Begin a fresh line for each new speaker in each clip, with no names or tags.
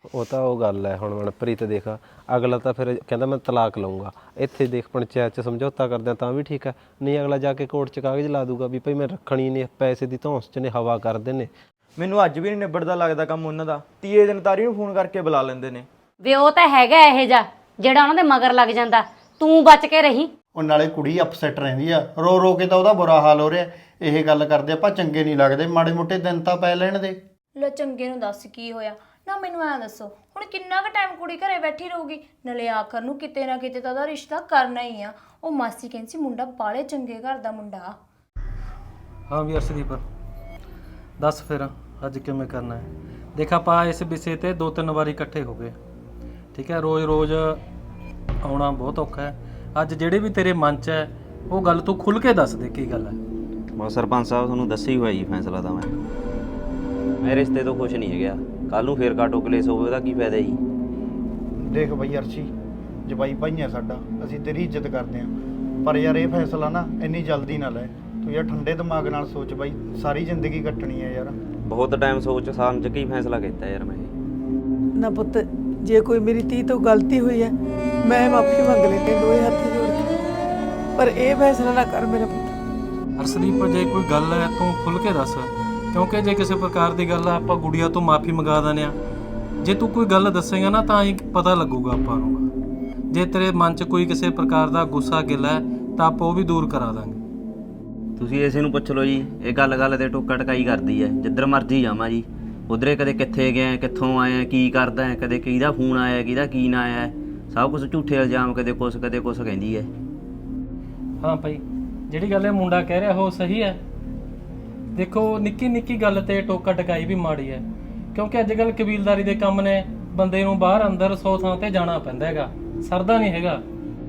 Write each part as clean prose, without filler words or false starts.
ਉਹ ਤਾਂ ਉਹ ਗੱਲ ਹੈ। ਹੁਣ ਮਨਪ੍ਰੀਤ ਦੇਖ, ਅਗਲਾ ਤਾਂ ਫਿਰ ਕਹਿੰਦਾ ਮੈਂ ਤਲਾਕ ਲਊਂਗਾ, ਇੱਥੇ ਦੇਖ ਪੰਚਾਇਤ 'ਚ ਸਮਝੌਤਾ ਕਰਦੇ ਤਾਂ ਵੀ ਠੀਕ ਹੈ, ਨਹੀਂ ਅਗਲਾ ਜਾ ਕੇ ਕੋਰਟ 'ਚ ਕਾਗਜ਼ ਲਾ ਦੂਗਾ ਵੀ ਭਾਈ ਮੈਂ ਰੱਖਣੀ ਨਹੀਂ, ਪੈਸੇ ਦੀ ਧੌਂਸ 'ਚ ਨੇ, ਹਵਾ ਕਰਦੇ ਨੇ।
ਮੈਨੂੰ ਅੱਜ ਵੀ ਨਹੀਂ ਨਿਬੜਦਾ ਲੱਗਦਾ ਕੰਮ ਉਹਨਾਂ ਦਾ। ਤੀਏ ਦਿਨ ਤਾਰੀ ਨੂੰ ਫੋਨ ਕਰਕੇ ਬੁਲਾ ਲੈਂਦੇ ਨੇ।
ਵੇ ਉਹ ਤਾਂ ਹੈਗਾ ਇਹ ਜਾ ਜਿਹੜਾ ਉਹਨਾਂ ਦੇ ਮਗਰ ਲੱਗ ਜਾਂਦਾ, ਤੂੰ ਬਚ ਕੇ ਰਹੀ।
ਉਹ ਨਾਲੇ ਕੁੜੀ ਅਪਸੈਟ ਰਹਿੰਦੀ ਆ, ਰੋ ਰੋ ਕੇ ਤਾਂ ਉਹਦਾ ਬੁਰਾ ਹਾਲ ਹੋ ਰਿਹਾ। ਇਹ ਗੱਲ ਕਰਦੇ ਆਪਾਂ ਚੰਗੇ ਨਹੀਂ ਲੱਗਦੇ, ਮਾੜੇ ਮੋਟੇ ਦਿਨ ਤਾਂ ਪੈ ਲੈਣ ਦੇ।
ਲੈ ਚੰਗੇ ਨੂੰ ਦੱਸ ਕੀ ਹੋਇਆ ਨਾ, ਮੈਨੂੰ ਐਂ ਦੱਸੋ ਹੁਣ ਕਿੰਨਾ ਕੁ ਟਾਈਮ ਕੁੜੀ ਘਰੇ ਬੈਠੀ ਰਹੂਗੀ? ਨਾਲੇ ਆਖਰ ਨੂੰ ਕਿਤੇ ਨਾ ਕਿਤੇ ਤਾਂ ਉਹਦਾ ਰਿਸ਼ਤਾ ਕਰਨਾ ਹੀ ਆ। ਉਹ ਮਾਸੀ ਕਹਿੰਦੀ ਸੀ ਮੁੰਡਾ ਬਾਲੇ ਚੰਗੇ ਘਰ ਦਾ ਮੁੰਡਾ।
ਹਾਂ ਵੀ ਅਰਸ਼ਦੀਪ, ਦੱਸ ਫਿਰ ਅੱਜ ਕਿਵੇਂ ਕਰਨਾ ਹੈ? ਦੇਖ ਆਪਾਂ ਇਸ ਵਿਸ਼ੇ ਤੇ 2-3 ਵਾਰੀ ਇਕੱਠੇ ਹੋ ਗਏ, ਠੀਕ ਹੈ? ਰੋਜ਼ ਆਉਣਾ ਬਹੁਤ ਔਖਾ ਹੈ। ਅੱਜ ਜਿਹੜੇ ਵੀ ਤੇਰੇ ਮਨ 'ਚ ਹੈ ਉਹ ਗੱਲ ਤੂੰ ਖੁੱਲ੍ਹ ਕੇ ਦੱਸ ਦੇ, ਕੀ ਗੱਲ ਹੈ?
ਬਸ ਸਰਪੰਚ ਸਾਹਿਬ ਤੁਹਾਨੂੰ ਦੱਸਿਆ ਹੀ ਹੋਇਆ ਜੀ ਫੈਸਲਾ ਤਾਂ ਮੈਂ ਰਿਸ਼ਤੇ ਤੋਂ ਖੁਸ਼ ਨਹੀਂ ਹੈਗਾ। ਕੱਲ ਨੂੰ ਫੇਰ ਕਾਟੋ ਕਲੇਸ ਹੋਵੇ ਉਹਦਾ ਕੀ ਫਾਇਦਾ ਜੀ?
ਦੇਖ ਬਈ ਅਰਸ਼ੀ, ਜਵਾਈ ਭਾਈ ਆ ਸਾਡਾ, ਅਸੀਂ ਤੇਰੀ ਇੱਜ਼ਤ ਕਰਦੇ ਹਾਂ, ਪਰ ਯਾਰ ਇਹ ਫੈਸਲਾ ਨਾ ਇੰਨੀ ਜਲਦੀ ਨਾ ਲੈ। ਤੂੰ ਯਾਰ ਠੰਡੇ ਦਿਮਾਗ ਨਾਲ ਸੋਚ ਬਾਈ, ਸਾਰੀ ਜ਼ਿੰਦਗੀ ਕੱਟਣੀ ਹੈ ਯਾਰ।
ਬਹੁਤ ਟਾਈਮ ਸੋਚ ਸਮਝ ਕੇ ਹੀ ਫੈਸਲਾ ਕੀਤਾ ਯਾਰ ਮੈਂ।
ਨਾ ਪੁੱਤ, ਜੇ ਕੋਈ ਮੇਰੀ ਧੀ ਤੋਂ ਗਲਤੀ ਹੋਈ ਹੈ ਮੈਂ ਮਾਫੀ ਮੰਗ ਲੈਂਦੀ ਦੋਏ ਹੱਥ ਜੋੜ ਕੇ, ਪਰ ਇਹ ਫੈਸਲਾ ਨਾ ਕਰ ਮੇਰਾ ਪੁੱਤ।
ਅਰਸ਼ਦੀਪ, ਜੇ ਕੋਈ ਗੱਲ ਹੈ ਤੂੰ ਖੁੱਲ੍ਹ ਕੇ ਦੱਸ, ਕਿਉਂਕਿ ਜੇ ਕਿਸੇ ਪ੍ਰਕਾਰ ਦੀ ਗੱਲ ਆ ਆਪਾਂ ਗੁੜੀਆ ਤੋਂ ਮਾਫੀ ਮੰਗਾ ਦਿੰਦੇ ਹਾਂ। ਜੇ ਤੂੰ ਕੋਈ ਗੱਲ ਦੱਸੇਗਾ ਨਾ ਤਾਂ ਹੀ ਪਤਾ ਲੱਗੂਗਾ ਆਪਾਂ ਨੂੰ। ਜੇ ਤੇਰੇ ਮਨ 'ਚ ਕੋਈ ਕਿਸੇ ਪ੍ਰਕਾਰ ਦਾ ਗੁੱਸਾ ਗਿਲਾ ਹੈ ਤਾਂ ਆਪਾਂ ਉਹ ਵੀ ਦੂਰ ਕਰਾ ਦਾਂਗੇ।
ਤੁਸੀਂ ਇਸੇ ਨੂੰ ਪੁੱਛ ਲਓ ਜੀ, ਇਹ ਗੱਲ ਤੇ ਟੋਕਾ ਟਕਾਈ ਕਰਦੀ ਹੈ। ਜਿੱਧਰ ਮਰਜ਼ੀ ਜਾਵਾਂ ਜੀ, ਉਧਰੇ ਕਦੇ ਕਿੱਥੇ ਗਿਆ, ਕਿੱਥੋਂ ਆਇਆ, ਕੀ ਕਰਦਾ ਹੈ, ਕਦੇ ਕਿਹਦਾ ਫੋਨ ਆਇਆ, ਕਿਹਦਾ ਕੀ ਨਾ ਆਇਆ, ਸਭ ਕੁਝ ਝੂਠੇ ਇਲਜ਼ਾਮ, ਕਦੇ ਕੁਛ ਕਹਿੰਦੀ ਹੈ।
ਹਾਂ ਭਾਈ, ਜਿਹੜੀ ਗੱਲ ਇਹ ਮੁੰਡਾ ਕਹਿ ਰਿਹਾ ਉਹ ਸਹੀ ਹੈ। ਦੇਖੋ ਨਿੱਕੀ ਨਿੱਕੀ ਗੱਲ ਤੇ ਟੋਕਾ ਟਕਾਈ ਵੀ ਮਾੜੀ ਹੈ, ਕਿਉਂਕਿ ਅੱਜ ਕੱਲ੍ਹ ਕਬੀਲਦਾਰੀ ਦੇ ਕੰਮ ਨੇ, ਬੰਦੇ ਨੂੰ ਬਾਹਰ ਅੰਦਰ 100 ਥਾਂ ਤੇ ਜਾਣਾ ਪੈਂਦਾ ਹੈਗਾ, ਸਰਦਾ ਨਹੀਂ ਹੈਗਾ।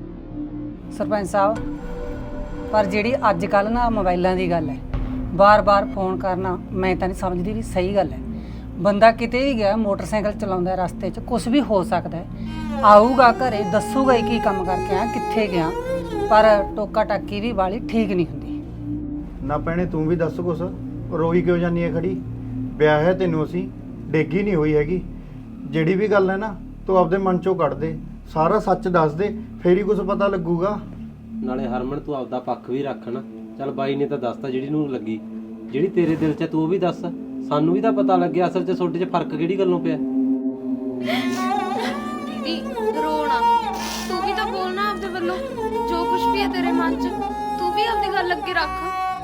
ਸਰਪੰਚ ਸਾਹਿਬ, ਪਰ ਜਿਹੜੀ ਅੱਜ ਕੱਲ੍ਹ ਨਾ ਮੋਬਾਈਲਾਂ ਦੀ ਗੱਲ ਹੈ, ਬਾਰ-ਬਾਰ ਫੋਨ ਕਰਨਾ ਮੈਂ ਤਾਂ ਨਹੀਂ ਸਮਝਦੀ ਵੀ ਸਹੀ ਗੱਲ ਹੈ। ਬੰਦਾ ਕਿਤੇ ਵੀ ਗਿਆ, ਮੋਟਰਸਾਈਕਲ ਚਲਾਉਂਦਾ, ਰਸਤੇ 'ਚ ਕੁਝ ਵੀ ਹੋ ਸਕਦਾ ਹੈ, ਆਊਗਾ ਘਰੇ ਦੱਸੂਗਾ ਹੀ ਕੀ ਕੰਮ ਕਰਕੇ ਆ, ਕਿੱਥੇ ਗਿਆ, ਪਰ ਟੋਕਾ ਟਾਕੀ ਵੀ ਵਾਲੀ ਠੀਕ ਨਹੀਂ ਹੁੰਦੀ।
ਨਾ ਭੈਣੇ ਤੂੰ ਵੀ ਦੱਸ ਕੁਛ, ਰੋਈ ਕਿਉਂ ਜਾਂਦੀ ਹੈ ਖੜੀ? ਵਿਆਹ ਹੈ ਤੈਨੂੰ, ਅਸੀਂ ਡੇਗੀ ਨਹੀਂ ਹੋਈ ਹੈਗੀ। ਜਿਹੜੀ ਵੀ ਗੱਲ ਹੈ ਨਾ ਤੂੰ ਆਪਦੇ ਮਨ 'ਚੋਂ ਕੱਢ ਦੇ, ਸਾਰਾ ਸੱਚ ਦੱਸ ਦੇ, ਫੇਰ ਹੀ ਕੁਝ ਪਤਾ ਲੱਗੂਗਾ।
ਨਾਲੇ ਹਰਮਨ ਤੂੰ ਆਪਦਾ ਪੱਖ ਵੀ ਰੱਖ ਨਾ। ਚੱਲ ਬਾਈ ਨੇ ਤਾਂ ਦੱਸਤਾ ਜਿਹੜੀ ਨੂੰ ਲੱਗੀ, ਜਿਹੜੀ ਤੇਰੇ ਦਿਲ 'ਚ ਤੂੰ ਉਹ ਵੀ ਦੱਸ, ਸਾਨੂੰ ਵੀ ਤਾਂ ਪਤਾ ਲੱਗਿਆ ਅਸਲ 'ਚ ਤੁਹਾਡੇ 'ਚ ਫਰਕ ਕਿਹੜੀ ਗੱਲੋਂ ਪਿਆ।
ਦੀਦੀ ਰੋਣਾ, ਤੂੰ ਵੀ ਤਾਂ ਬੋਲਣਾ ਆਪਦੇ ਵੱਲੋਂ, ਜੋ ਕੁਝ ਵੀ ਹੈ ਤੇਰੇ ਮਨ 'ਚ ਤੂੰ ਵੀ ਆਪਦੀ ਗੱਲ ਅੱਗੇ ਰੱਖ।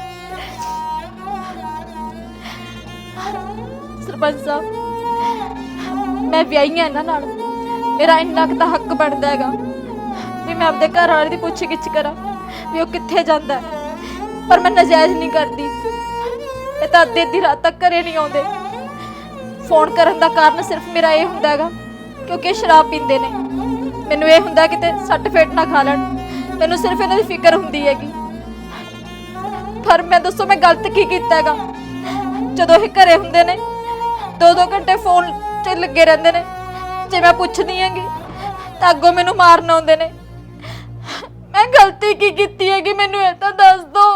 ਸਰਪੰਚ ਸਾਹਿਬ, ਮੈਂ ਵਿਆਹੀ ਹਾਂ ਇਹਨਾਂ ਨਾਲ, ਮੇਰਾ ਇੰਨਾ ਕੁ ਤਾਂ ਹੱਕ ਬਣਦਾ ਹੈਗਾ ਵੀ ਮੈਂ ਆਪਦੇ ਘਰ ਵਾਲੇ ਦੀ ਪੁੱਛ ਗਿੱਛ ਕਰਾਂ ਵੀ ਉਹ ਕਿੱਥੇ ਜਾਂਦਾ, ਪਰ ਮੈਂ ਨਜਾਇਜ਼ ਨਹੀਂ ਕਰਦੀ। ਇਹ ਤਾਂ ਅੱਧੀ ਰਾਤ ਤੱਕ ਘਰੇ ਨਹੀਂ ਆਉਂਦੇ। ਫੋਨ ਕਰਨ ਦਾ ਕਾਰਨ ਸਿਰਫ ਮੇਰਾ ਇਹ ਹੁੰਦਾ ਹੈਗਾ ਕਿਉਂਕਿ ਸ਼ਰਾਬ ਪੀਂਦੇ ਨੇ। ਮੈਨੂੰ ਇਹ ਹੁੰਦਾ ਕਿਤੇ ਸੱਟ ਫੇਟ ਨਾ ਖਾ ਲੈਣ, ਮੈਨੂੰ ਸਿਰਫ ਇਹਨਾਂ ਦੀ ਫਿਕਰ ਹੁੰਦੀ ਹੈਗੀ। ਪਰ ਮੈਂ ਦੱਸੋ ਮੈਂ ਗਲਤ ਕੀ ਕੀਤਾ ਹੈਗਾ? ਜਦੋਂ ਇਹ ਘਰੇ ਹੁੰਦੇ ਨੇ 2-2 ਘੰਟੇ ਫੋਨ 'ਤੇ ਲੱਗੇ ਰਹਿੰਦੇ ਨੇ, ਜੇ ਮੈਂ ਪੁੱਛਦੀ ਹੈਗੀ ਤਾਂ ਅੱਗੋਂ ਮੈਨੂੰ ਮਾਰਨ ਆਉਂਦੇ ਨੇ। ਮੈਂ ਗਲਤੀ ਕੀ ਕੀਤੀ ਹੈਗੀ, ਮੈਨੂੰ ਇਹ ਤਾਂ ਦੱਸ ਦੋ।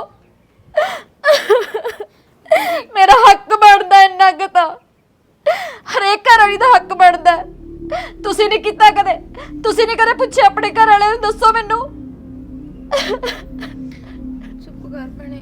ਮੇਰਾ ਹੱਕ ਬਣਦਾ ਇੰਨਾ ਕੁ ਤਾਂ, ਹਰੇਕ ਘਰ ਵਾਲੀ ਦਾ ਹੱਕ ਬਣਦਾ। ਤੁਸੀਂ ਨਹੀਂ ਕੀਤਾ ਕਦੇ? ਤੁਸੀਂ ਨਹੀਂ ਕਦੇ ਪੁੱਛਿਆ ਆਪਣੇ ਘਰ ਵਾਲੇ ਨੂੰ? ਦੱਸੋ ਮੈਨੂੰ।
ਚੁੱਪ ਕਰ ਭੈਣੇ।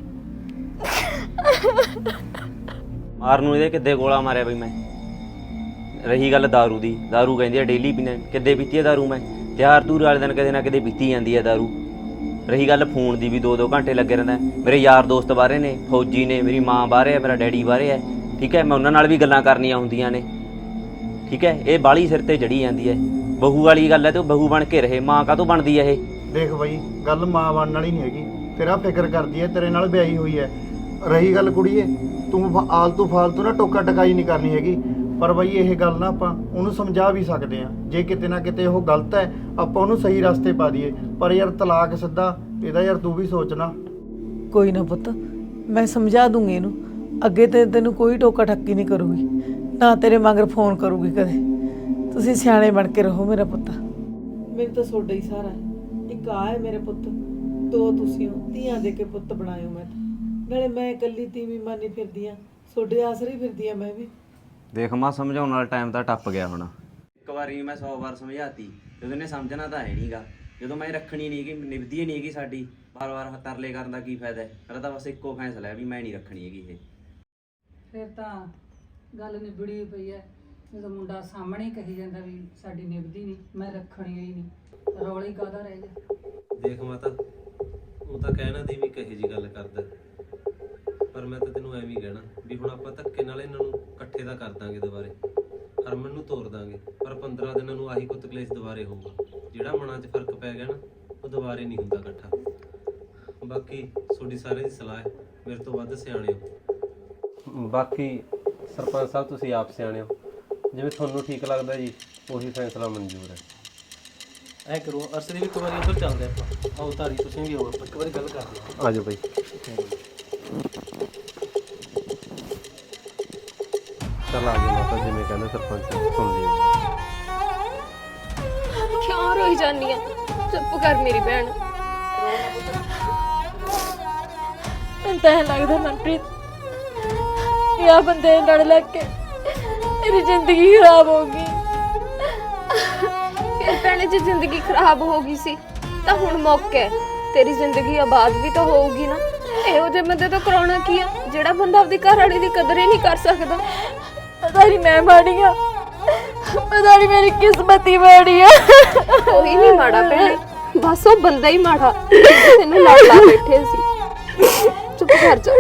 ਮਾਰ ਨੂੰ ਇਹਦੇ ਕਿੱਦੇ ਗੋਲਾ ਮਾਰਿਆ ਬਈ ਮੈਂ। ਰਹੀ ਗੱਲ ਦਾਰੂ ਦੀ, ਦਾਰੂ ਕਹਿੰਦੀ ਆ ਡੇਲੀ ਪੀਣਾ, ਕਿੱਦੇ ਪੀਤੀ ਆ ਦਾਰੂ ਮੈਂ? ਤਿਉਹਾਰ ਤੂਰ ਵਾਲੇ ਦਿਨ ਕਦੇ ਨਾ ਕਦੇ ਪੀਤੀ ਜਾਂਦੀ ਆ ਦਾਰੂ। ਰਹੀ ਗੱਲ ਫੋਨ ਦੀ, ਵੀ 2-2 ਘੰਟੇ ਲੱਗੇ ਰਹਿੰਦਾ। ਮੇਰੇ ਯਾਰ ਦੋਸਤ ਬਾਹਰੇ ਨੇ, ਫੌਜੀ ਨੇ, ਮੇਰੀ ਮਾਂ ਬਾਹਰੇ ਹੈ, ਮੇਰਾ ਡੈਡੀ ਬਾਹਰੇ ਹੈ, ਠੀਕ ਹੈ? ਮੈਂ ਉਹਨਾਂ ਨਾਲ ਵੀ ਗੱਲਾਂ ਕਰਨੀਆਂ ਹੁੰਦੀਆਂ ਨੇ, ਠੀਕ ਹੈ? ਇਹ ਬਾਹਲੀ ਸਿਰ ਤੇ ਚੜੀ ਜਾਂਦੀ ਹੈ। ਬਹੂ ਵਾਲੀ ਗੱਲ ਹੈ ਤੇ ਉਹ ਬਹੂ ਬਣ ਕੇ ਰਹੇ, ਮਾਂ ਕਾਹਤੋਂ ਬਣਦੀ ਹੈ ਇਹ?
ਦੇਖ ਬਈ, ਗੱਲ ਮਾਂ ਬਣਨ ਵਾਲੀ ਨਹੀਂ ਹੈਗੀ, ਤੇਰਾ ਫਿਕਰ ਕਰਦੀ ਹੈ, ਤੇਰੇ ਨਾਲ ਵਿਆਹੀ ਹੋਈ ਹੈ। ਰਹੀ ਗੱਲ ਕੁੜੀਏ, ਤੂੰ ਆਲਤੂ ਫਾਲਤੂ ਨਾ ਟੋਕਾ ਟਕਾਈ ਨਹੀਂ ਕਰਨੀ ਹੈਗੀ। ਪਰ ਬਈ ਇਹ ਗੱਲ ਨਾ ਆਪਾਂ ਉਹਨੂੰ ਸਮਝਾ ਵੀ ਸਕਦੇ ਹਾਂ, ਜੇ ਕਿਤੇ ਨਾ ਕਿਤੇ ਉਹ ਗਲਤ ਹੈ ਆਪਾਂ ਉਹਨੂੰ ਸਹੀ ਰਸਤੇ ਪਾ ਦਈਏ। ਪਰ ਯਾਰ ਤਲਾਕ ਸਿੱਧਾ, ਇਹਦਾ ਯਾਰ ਤੂੰ ਵੀ ਸੋਚਣਾ।
ਕੋਈ ਨਾ ਪੁੱਤ, ਮੈਂ ਸਮਝਾ ਦੂੰਗੀ ਇਹਨੂੰ, ਅੱਗੇ ਤੇ ਤੈਨੂੰ ਕੋਈ ਟੋਕਾ ਠੱਕੀ ਨਹੀਂ ਕਰੂਗੀ, ਨਾ ਤੇਰੇ ਮਗਰ ਫੋਨ ਕਰੂਗੀ ਕਦੇ। ਤੁਸੀਂ ਸਿਆਣੇ ਬਣ ਕੇ ਰਹੋ ਮੇਰਾ ਪੁੱਤ। ਮੈਨੂੰ ਤਾਂ ਤੁਹਾਡਾ ਹੀ ਸਹਾਰਾ ਹੈ, ਇੱਕ ਆ ਹੈ ਮੇਰੇ ਪੁੱਤ, 2 ਤੁਸੀਂ ਹੋ, ਧੀਆਂ ਦੇ ਕੇ ਪੁੱਤ ਬਣਾਇਓ। ਮੈਂ ਨਾਲੇ ਮੈਂ ਇਕੱਲੀ ਤੀਵੀਂ ਮਾਨੀ ਫਿਰਦੀ ਆ, ਤੁਹਾਡੇ ਆਸਰੇ ਫਿਰਦੀ ਆ ਮੈਂ ਵੀ।
ਦੇਖ ਮਾਂ, ਸਮਝਾਉਣ ਵਾਲਾ ਟਾਈਮ ਤਾਂ ਟੱਪ ਗਿਆ ਹੁਣ। ਇੱਕ ਵਾਰੀ ਮੈਂ 100 ਵਾਰ ਸਮਝਾਤੀ ਜਦੋਂ ਇਹਨੇ ਸਮਝਣਾ ਤਾਂ ਹੈ ਨਹੀਂਗਾ। ਜਦੋਂ ਮੈਂ ਰੱਖਣੀ ਨਹੀਂ ਕਿ ਨਿਭਦੀ ਨਹੀਂ ਹੈਗੀ ਸਾਡੀ, ਵਾਰ-ਵਾਰ ਤਰਲੇ ਕਰਨ ਦਾ ਕੀ ਫਾਇਦਾ ਹੈ। ਮੇਰਾ ਤਾਂ ਬਸ ਇੱਕੋ ਫੈਸਲਾ ਹੈ ਵੀ ਮੈਂ ਨਹੀਂ ਰੱਖਣੀ ਹੈਗੀ ਇਹ।
ਫਿਰ ਤਾਂ ਗੱਲ ਨਿਬੜੀ ਪਈ ਐ। ਜਦੋਂ ਮੁੰਡਾ ਸਾਹਮਣੇ ਹੀ ਕਹੀ ਜਾਂਦਾ ਵੀ ਸਾਡੀ ਨਿਭਦੀ ਨਹੀਂ, ਮੈਂ ਰੱਖਣੀ ਹੀ ਨਹੀਂ, ਰੌਲਾ ਹੀ ਕਾਹਦਾ ਰਹਿ ਗਿਆ।
ਦੇਖ ਮਾਤਾ, ਉਹ ਤਾਂ ਕਹਿਣਾ ਦੀ ਵੀ ਕਹੇ ਜੀ ਗੱਲ ਕਰਦਾ, ਪਰ ਮੈਂ ਤਾਂ ਤੈਨੂੰ ਐਵੇਂ ਹੀ ਕਹਿਣਾ ਵੀ ਹੁਣ ਆਪਾਂ ਧੱਕੇ ਨਾਲ ਇਹਨਾਂ ਨੂੰ ਇਕੱਠੇ ਦਾ ਕਰ ਦਾਂਗੇ ਦੁਬਾਰੇ, ਹਰਮਨ ਨੂੰ ਤੋਰ ਦਾਂਗੇ, ਪਰ 15 ਦਿਨਾਂ ਨੂੰ ਆਹੀ ਕੁੱਤ ਕਲੇਸ਼ ਦੁਬਾਰੇ ਹੋਊਗਾ। ਜਿਹੜਾ ਮਨਾਂ 'ਚ ਫਰਕ ਪੈ ਗਿਆ ਨਾ, ਉਹ ਦੁਬਾਰੇ ਨਹੀਂ ਹੁੰਦਾ ਇਕੱਠਾ। ਬਾਕੀ ਤੁਹਾਡੀ ਸਾਰਿਆਂ ਦੀ ਸਲਾਹ ਹੈ, ਮੇਰੇ ਤੋਂ ਵੱਧ ਸਿਆਣੇ ਹੋ। ਬਾਕੀ ਸਰਪੰਚ ਸਾਹਿਬ ਤੁਸੀਂ ਆਪ ਸਿਆਣੇ ਹੋ, ਜਿਵੇਂ ਤੁਹਾਨੂੰ ਠੀਕ ਲੱਗਦਾ ਜੀ ਉਹੀ ਫੈਸਲਾ ਮਨਜ਼ੂਰ ਹੈ।
ਐ ਕਰੋ ਅਰਸ਼ਦੀਪ, ਇੱਕ ਵਾਰੀ ਉੱਧਰ ਚੱਲਦੇ ਆਪਾਂ। ਆਓ ਤਾਰੀ, ਤੁਸੀਂ ਵੀ ਆਓ, ਇੱਕ ਵਾਰੀ ਗੱਲ ਕਰਦੇ ਹਾਂ।
ਆ ਜਾਓ ਬਾਈ। ਚੱਲ ਆ ਜਾਓ ਮਾਤਾ, ਜਿਵੇਂ ਕਹਿੰਦੇ ਸਰਪੰਚ ਸੁਣ ਲਿਓ।
ਕਿਉਂ ਰੋਈ ਜਾਂਦੀ ਆ? ਚੁੱਪ ਕਰ ਮੇਰੀ ਭੈਣ। ਮੈਨੂੰ ਤਾਂ ਐਂ ਲੱਗਦਾ ਮਨਪ੍ਰੀਤ, ਇਹ ਆ ਬੰਦੇ ਲੜ ਲੱਗ ਕੇ ਮੇਰੀ ਜ਼ਿੰਦਗੀ ਖਰਾਬ ਹੋ ਗਈ।
ਫਿਰ ਭੈਣੇ ਜੇ ਜ਼ਿੰਦਗੀ ਖਰਾਬ ਹੋ ਗਈ ਸੀ ਤਾਂ ਹੁਣ ਮੌਕਾ ਹੈ, ਤੇਰੀ ਜ਼ਿੰਦਗੀ ਆਬਾਦ ਵੀ ਤਾਂ ਹੋਊਗੀ ਨਾ। ਇਹੋ ਜਿਹੇ ਬੰਦੇ ਤੋਂ ਕਰਾਉਣਾ ਕੀ ਆ ਜਿਹੜਾ ਬੰਦਾ ਆਪਣੀ ਘਰ ਵਾਲੀ ਦੀ ਕਦਰ ਹੀ ਨਹੀਂ ਕਰ ਸਕਦਾ।
ਪਤਾ ਨਹੀਂ ਮੈਂ ਮਾੜੀ ਆ, ਪਤਾ ਨਹੀਂ ਮੇਰੀ ਕਿਸਮਤ ਹੀ ਮਾੜੀ ਆ।
ਕੋਈ ਨਹੀਂ ਮਾੜਾ ਭੈਣੇ, ਬਸ ਉਹ ਬੰਦਾ ਹੀ ਮਾੜਾ ਤੈਨੂੰ ਲੜ ਲਾ ਬੈਠੇ ਸੀ। ਚੁੱਪ ਕਰ ਜਾ।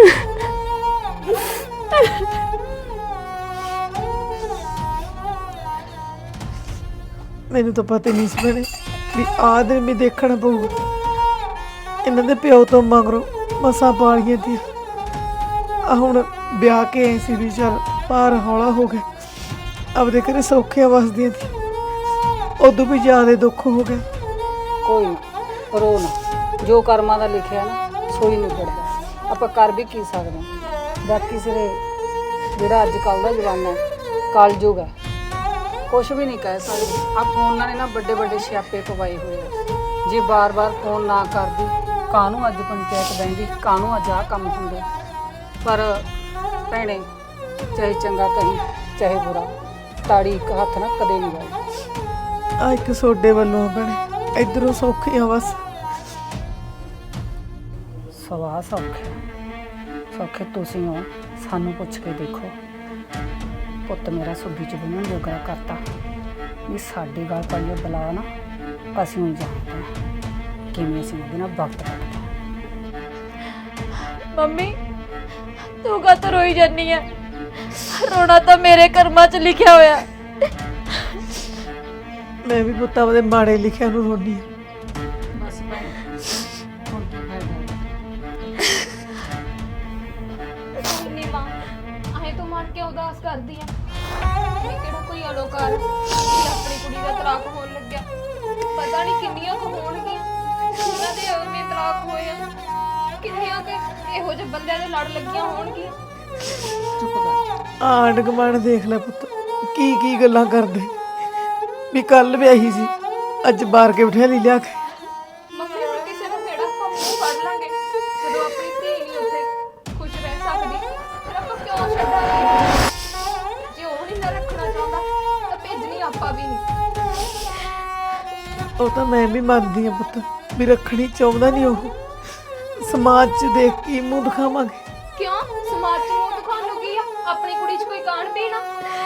ਮੈਨੂੰ ਤਾਂ ਪਤਾ ਨਹੀਂ ਸੀ ਭੈਣੇ ਵੀ ਆਹ ਦਿਨ ਵੀ ਦੇਖਣਾ ਪਊਗਾ। ਇਹਨਾਂ ਦੇ ਪਿਓ ਤੋਂ ਮਗਰੋਂ ਮਸਾਂ ਪਾਲੀਆਂ ਤੀ, ਆ ਹੁਣ ਵਿਆਹ ਕੇ ਆਏ ਸੀ ਵੀ ਚੱਲ ਭਾਰ ਹੌਲਾ ਹੋ ਗਿਆ, ਆਪਦੇ ਘਰੇ ਸੌਖੀਆਂ ਵਸਦੀਆਂ ਤੀ, ਉਦੋਂ ਵੀ ਜ਼ਿਆਦਾ ਦੁੱਖ ਹੋ ਗਿਆ।
ਕੋਈ ਨਹੀਂ, ਰੋ ਨਾ, ਜੋ ਕਰਮਾਂ ਦਾ ਲਿਖਿਆ ਨਾ ਸੋਈ ਨਿਬੜਦਾ। ਆਪਾਂ ਕਰ ਵੀ ਕੀ ਸਕਦੇ ਹਾਂ। ਬਾਕੀ ਸਿਰੇ ਜਿਹੜਾ ਅੱਜ ਕੱਲ੍ਹ ਦਾ ਜ਼ਮਾਨਾ ਹੈ, ਕਲਯੁਗ ਹੈ, ਕੁਛ ਵੀ ਨਹੀਂ ਕਹਿ ਸਕਦੇ। ਆ ਫੋਨਾਂ ਨੇ ਨਾ ਵੱਡੇ ਵੱਡੇ ਸਿਆਪੇ ਪਵਾਏ ਹੋਏ ਆ। ਜੇ ਬਾਰ-ਬਾਰ ਫੋਨ ਨਾ ਕਰਦੀ, ਕਾਹਨੂੰ ਅੱਜ ਪੰਚਾਇਤ ਬਹਿੰਦੀ, ਕਾਹਨੂੰ ਅੱਜ ਆਹ ਕੰਮ ਹੁੰਦੇ। ਪਰ ਭੈਣੇ, ਚਾਹੇ ਚੰਗਾ ਕਹੀਂ ਚਾਹੇ ਬੁਰਾ, ਤਾੜੀ ਇੱਕ ਹੱਥ ਨਾਲ ਕਦੇ ਨਹੀਂ ਲਾਈ।
ਆ ਇੱਕ ਸੋਡੇ ਵੱਲੋਂ ਭੈਣੇ, ਇੱਧਰੋਂ ਸੌਖੀਆਂ ਬਸ।
ਸਵਾਹ ਸੌਖੇ ਸੌਖੇ ਤੁਸੀਂ ਹੋ, ਸਾਨੂੰ ਪੁੱਛ ਕੇ ਦੇਖੋ। ਪੁੱਤ ਮੇਰਾ ਸੁੱਧੀ ਚ ਬਣਨ ਜੋਗਰਾ ਕਰਤਾ ਵੀ ਸਾਡੀ ਗੱਲ ਪਾਈਏ ਬੁਲਾ ਨਾ, ਅਸੀਂ ਨਹੀਂ ਜਾਣਦੇ ਹਾਂ ਕਿਵੇਂ ਅਸੀਂ ਉਹਦੇ ਨਾਲ ਵਕਤ ਕੱਟਦੇ ਹਾਂ।
ਮੰਮੀ ਤੂੰ ਕਾਹਤੋਂ ਰੋਈ ਜਾਂਦੀ ਆ? ਰੋਣਾ ਤਾਂ ਮੇਰੇ ਕਰਮਾਂ 'ਚ ਲਿਖਿਆ ਹੋਇਆ।
ਮੈਂ ਵੀ ਪੁੱਤਾਂ ਦੇ ਮਾੜੇ ਲਿਖਿਆ ਨੂੰ ਰੋਂਦੀ ਹਾਂ।
ਬਸ ਭੈਣ, ਹੁਣ ਕੀ ਫਾਇਦਾ?
ਨਹੀਂ ਮਾਂ, ਆਏ ਤੂੰ ਮਨ ਕੇ ਉਦਾਸ ਕਰਦੀ ਆ। ਇਹ ਕਿਹੜਾ ਕੋਈ ਅਲੋਕਾਰ ਆਪਣੀ ਕੁੜੀ ਦਾ ਤਲਾਕ ਹੋਣ ਲੱਗਿਆ। ਪਤਾ ਨਹੀਂ ਕਿੰਨੀਆਂ ਕੁ ਹੋਣਗੀਆਂ ਉਹਨਾਂ ਦੇ ਐਵੇਂ ਤਲਾਕ ਹੋਏ ਆ, ਕਿੰਨੀਆਂ ਕਿ ਇਹੋ ਜਿਹੇ ਬੰਦਿਆਂ ਦੇ ਲੜ ਲੱਗੀਆਂ ਹੋਣਗੀਆਂ।
ਚੁੱਪ ਕਰ।
ਆਂਢ ਗੁਆਂਢ ਦੇਖ ਲੈ ਪੁੱਤ, ਕੀ ਕੀ ਗੱਲਾਂ ਕਰਦੇ ਵੀ ਕੱਲ ਵਿਆਹੀ ਸੀ, ਅੱਜ ਬਾਹਰ ਕੇ ਬਿਠਾ ਲਈ ਲਿਆ ਕੇ।
ਮੰਮੀ ਹੁਣ ਕਿਸੇ ਦਾ ਫੇੜਾ ਆਪਾਂ ਮੂੰਹ ਕੱਢ ਲਾਂਗੇ। ਜਦੋਂ ਆਪਣੀ ਧੀ ਨਹੀਂ ਉੱਥੇ ਖੁਸ਼ ਰਹਿ ਸਕਦੀ ਫਿਰ ਆਪਾਂ ਕਿਉਂ ਛੱਡਾਂਗੇ? ਜੇ ਉਹ ਨਹੀਂ ਨਾ ਰੱਖਣਾ ਚਾਹੁੰਦਾ ਤਾਂ ਭੇਜਣੀ ਆਪਾਂ ਵੀ ਨਹੀਂ।
ਉਹ ਤਾਂ ਮੈਂ ਵੀ ਮੰਨਦੀ ਹਾਂ ਪੁੱਤ ਵੀ ਰੱਖਣੀ ਚਾਹੁੰਦਾ ਨਹੀਂ ਉਹ। ਸਮਾਜ 'ਚ ਦੇਖ ਕੇ ਮੂੰਹ ਦਿਖਾਵਾਂਗੇ।
ਕਿਉਂ ਸਮਾਜ 'ਚ ਮੂੰਹ ਦਿਖਾਉਣ ਨੂੰ ਕੀ ਆ? ਆਪਣੀ ਕੁੜੀ 'ਚ ਕੋਈ ਕਾਣ ਪੀਣਾ?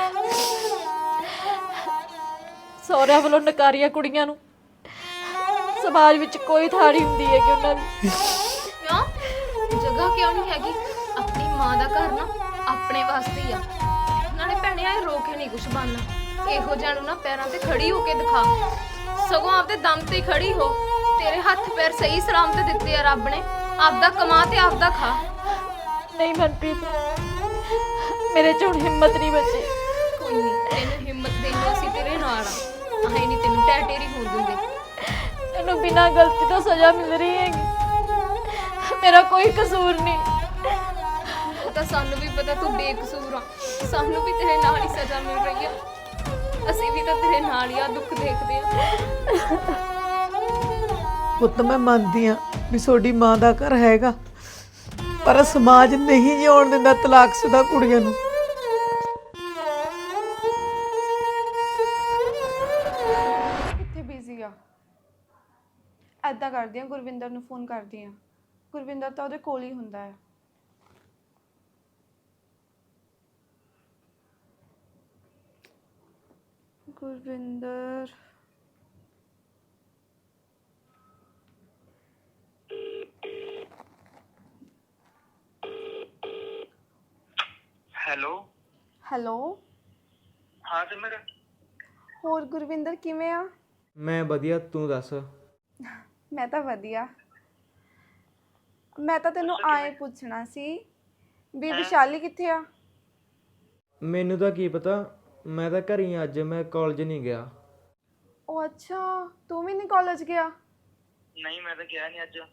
ਸਹੁਰਿਆਂ ਵੱਲੋਂ ਨਕਾਰੀਆਂ ਕੁੜੀਆਂ ਨੂੰ ਸਮਾਜ ਵਿੱਚ ਕੋਈ ਥਾਂ ਨਹੀਂ ਹੁੰਦੀ ਹੈ ਕਿ ਉਹਨਾਂ ਦੀ।
ਕਿਉਂ ਜਗ੍ਹਾ ਕਿਉਂ ਨਹੀਂ ਹੈਗੀ? ਆਪਣੀ ਮਾਂ ਦਾ ਘਰ ਨਾ ਆਪਣੇ ਵਾਸਤੇ ਹੀ ਆ। ਨਾਲੇ ਭੈਣੇ ਆਏ ਰੋ ਕੇ ਨਹੀਂ ਕੁਛ ਬਣਨਾ। ਇਹੋ ਜਿਹਾ ਨੂੰ ਨਾ ਪੈਰਾਂ ਤੇ ਖੜੀ ਹੋ ਕੇ ਦਿਖਾ, ਸਗੋਂ ਆਪਦੇ ਦਮ ਤੇ ਖੜੀ ਹੋ। ਤੇਰੇ ਹੱਥ ਪੈਰ ਸਹੀ ਸਲਾਮਤ ਦਿੱਤੇ ਆ ਰੱਬ ਨੇ, ਆਪਦਾ ਕਮਾ ਤੇ ਆਪਦਾ ਖਾ।
ਨਹੀਂ ਮਨਪ੍ਰੀਤ, ਮੇਰੇ 'ਚ ਹੁਣ ਹਿੰਮਤ ਨਹੀਂ ਬਚੀ।
ਕੋਈ ਨਹੀਂ, ਤੈਨੂੰ ਹਿੰਮਤ ਦੇਣ ਨੂੰ ਅਸੀਂ ਤੇਰੇ ਨਾਲ ਆ। ਆਹੇ ਨਹੀਂ ਤੈਨੂੰ ਟੈਟੇਰੀ ਹੋਣ ਦਿੰਦੇ।
ਇਹਨੂੰ ਬਿਨਾਂ ਗਲਤੀ ਤੋਂ ਸਜ਼ਾ ਮਿਲ ਰਹੀ ਹੈਗੀ, ਮੇਰਾ ਕੋਈ ਕਸੂਰ ਨਹੀਂ।
ਉਹ ਤਾਂ ਸਾਨੂੰ ਵੀ ਪਤਾ ਤੂੰ ਬੇਕਸੂਰ ਆ, ਸਾਨੂੰ ਵੀ ਤੇਰੇ ਨਾਲ ਹੀ ਸਜ਼ਾ ਮਿਲ ਰਹੀ ਆ। ਅਸੀਂ ਵੀ ਤਾਂ ਤੇਰੇ ਨਾਲ ਹੀ ਆ ਦੁੱਖ ਦੇਖਦੇ ਆ।
ਪੁੱਤ ਮੈਂ ਮੰਨਦੀ ਹਾਂ ਵੀ ਤੁਹਾਡੀ ਮਾਂ ਦਾ ਘਰ ਹੈਗਾ, ਪਰ ਸਮਾਜ ਨਹੀਂ ਜਿਉਣ ਦਿੰਦਾ ਤਲਾਕਸ਼ੁਦਾ ਕੁੜੀਆਂ ਨੂੰ।
ਬਿਜ਼ੀ ਆ। ਐਦਾਂ ਕਰਦੀ ਆ, ਗੁਰਵਿੰਦਰ ਨੂੰ ਫੋਨ ਕਰਦੀ ਆ। ਗੁਰਵਿੰਦਰ ਤਾਂ ਉਹਦੇ ਕੋਲ ਹੀ ਹੁੰਦਾ ਹੈ। ਗੁਰਵਿੰਦਰ ਹੈਲੋ।
ਹਾਂ ਸਿਮਰ,
ਹੋਰ ਗੁਰਵਿੰਦਰ ਕਿਵੇਂ ਆ?
ਮੈਂ ਵਧੀਆ, ਤੂੰ ਦੱਸ।
ਮੈਂ ਤਾਂ ਵਧੀਆ। ਮੈਂ ਤਾਂ ਤੈਨੂੰ ਆਏ ਪੁੱਛਣਾ ਸੀ ਵੀ ਵਿਸ਼ਾਲੀ ਕਿੱਥੇ ਆ?
ਮੈਨੂੰ ਤਾਂ ਕੀ ਪਤਾ, ਮੈਂ ਤਾਂ ਘਰ ਹੀ ਅੱਜ, ਮੈਂ ਕਾਲਜ ਨਹੀਂ ਗਿਆ।
ਉਹ ਅੱਛਾ, ਤੂੰ ਵੀ ਨਹੀਂ ਕਾਲਜ ਗਿਆ?
ਨਹੀਂ, ਮੈਂ ਤਾਂ ਗਿਆ ਨਹੀਂ ਅੱਜ।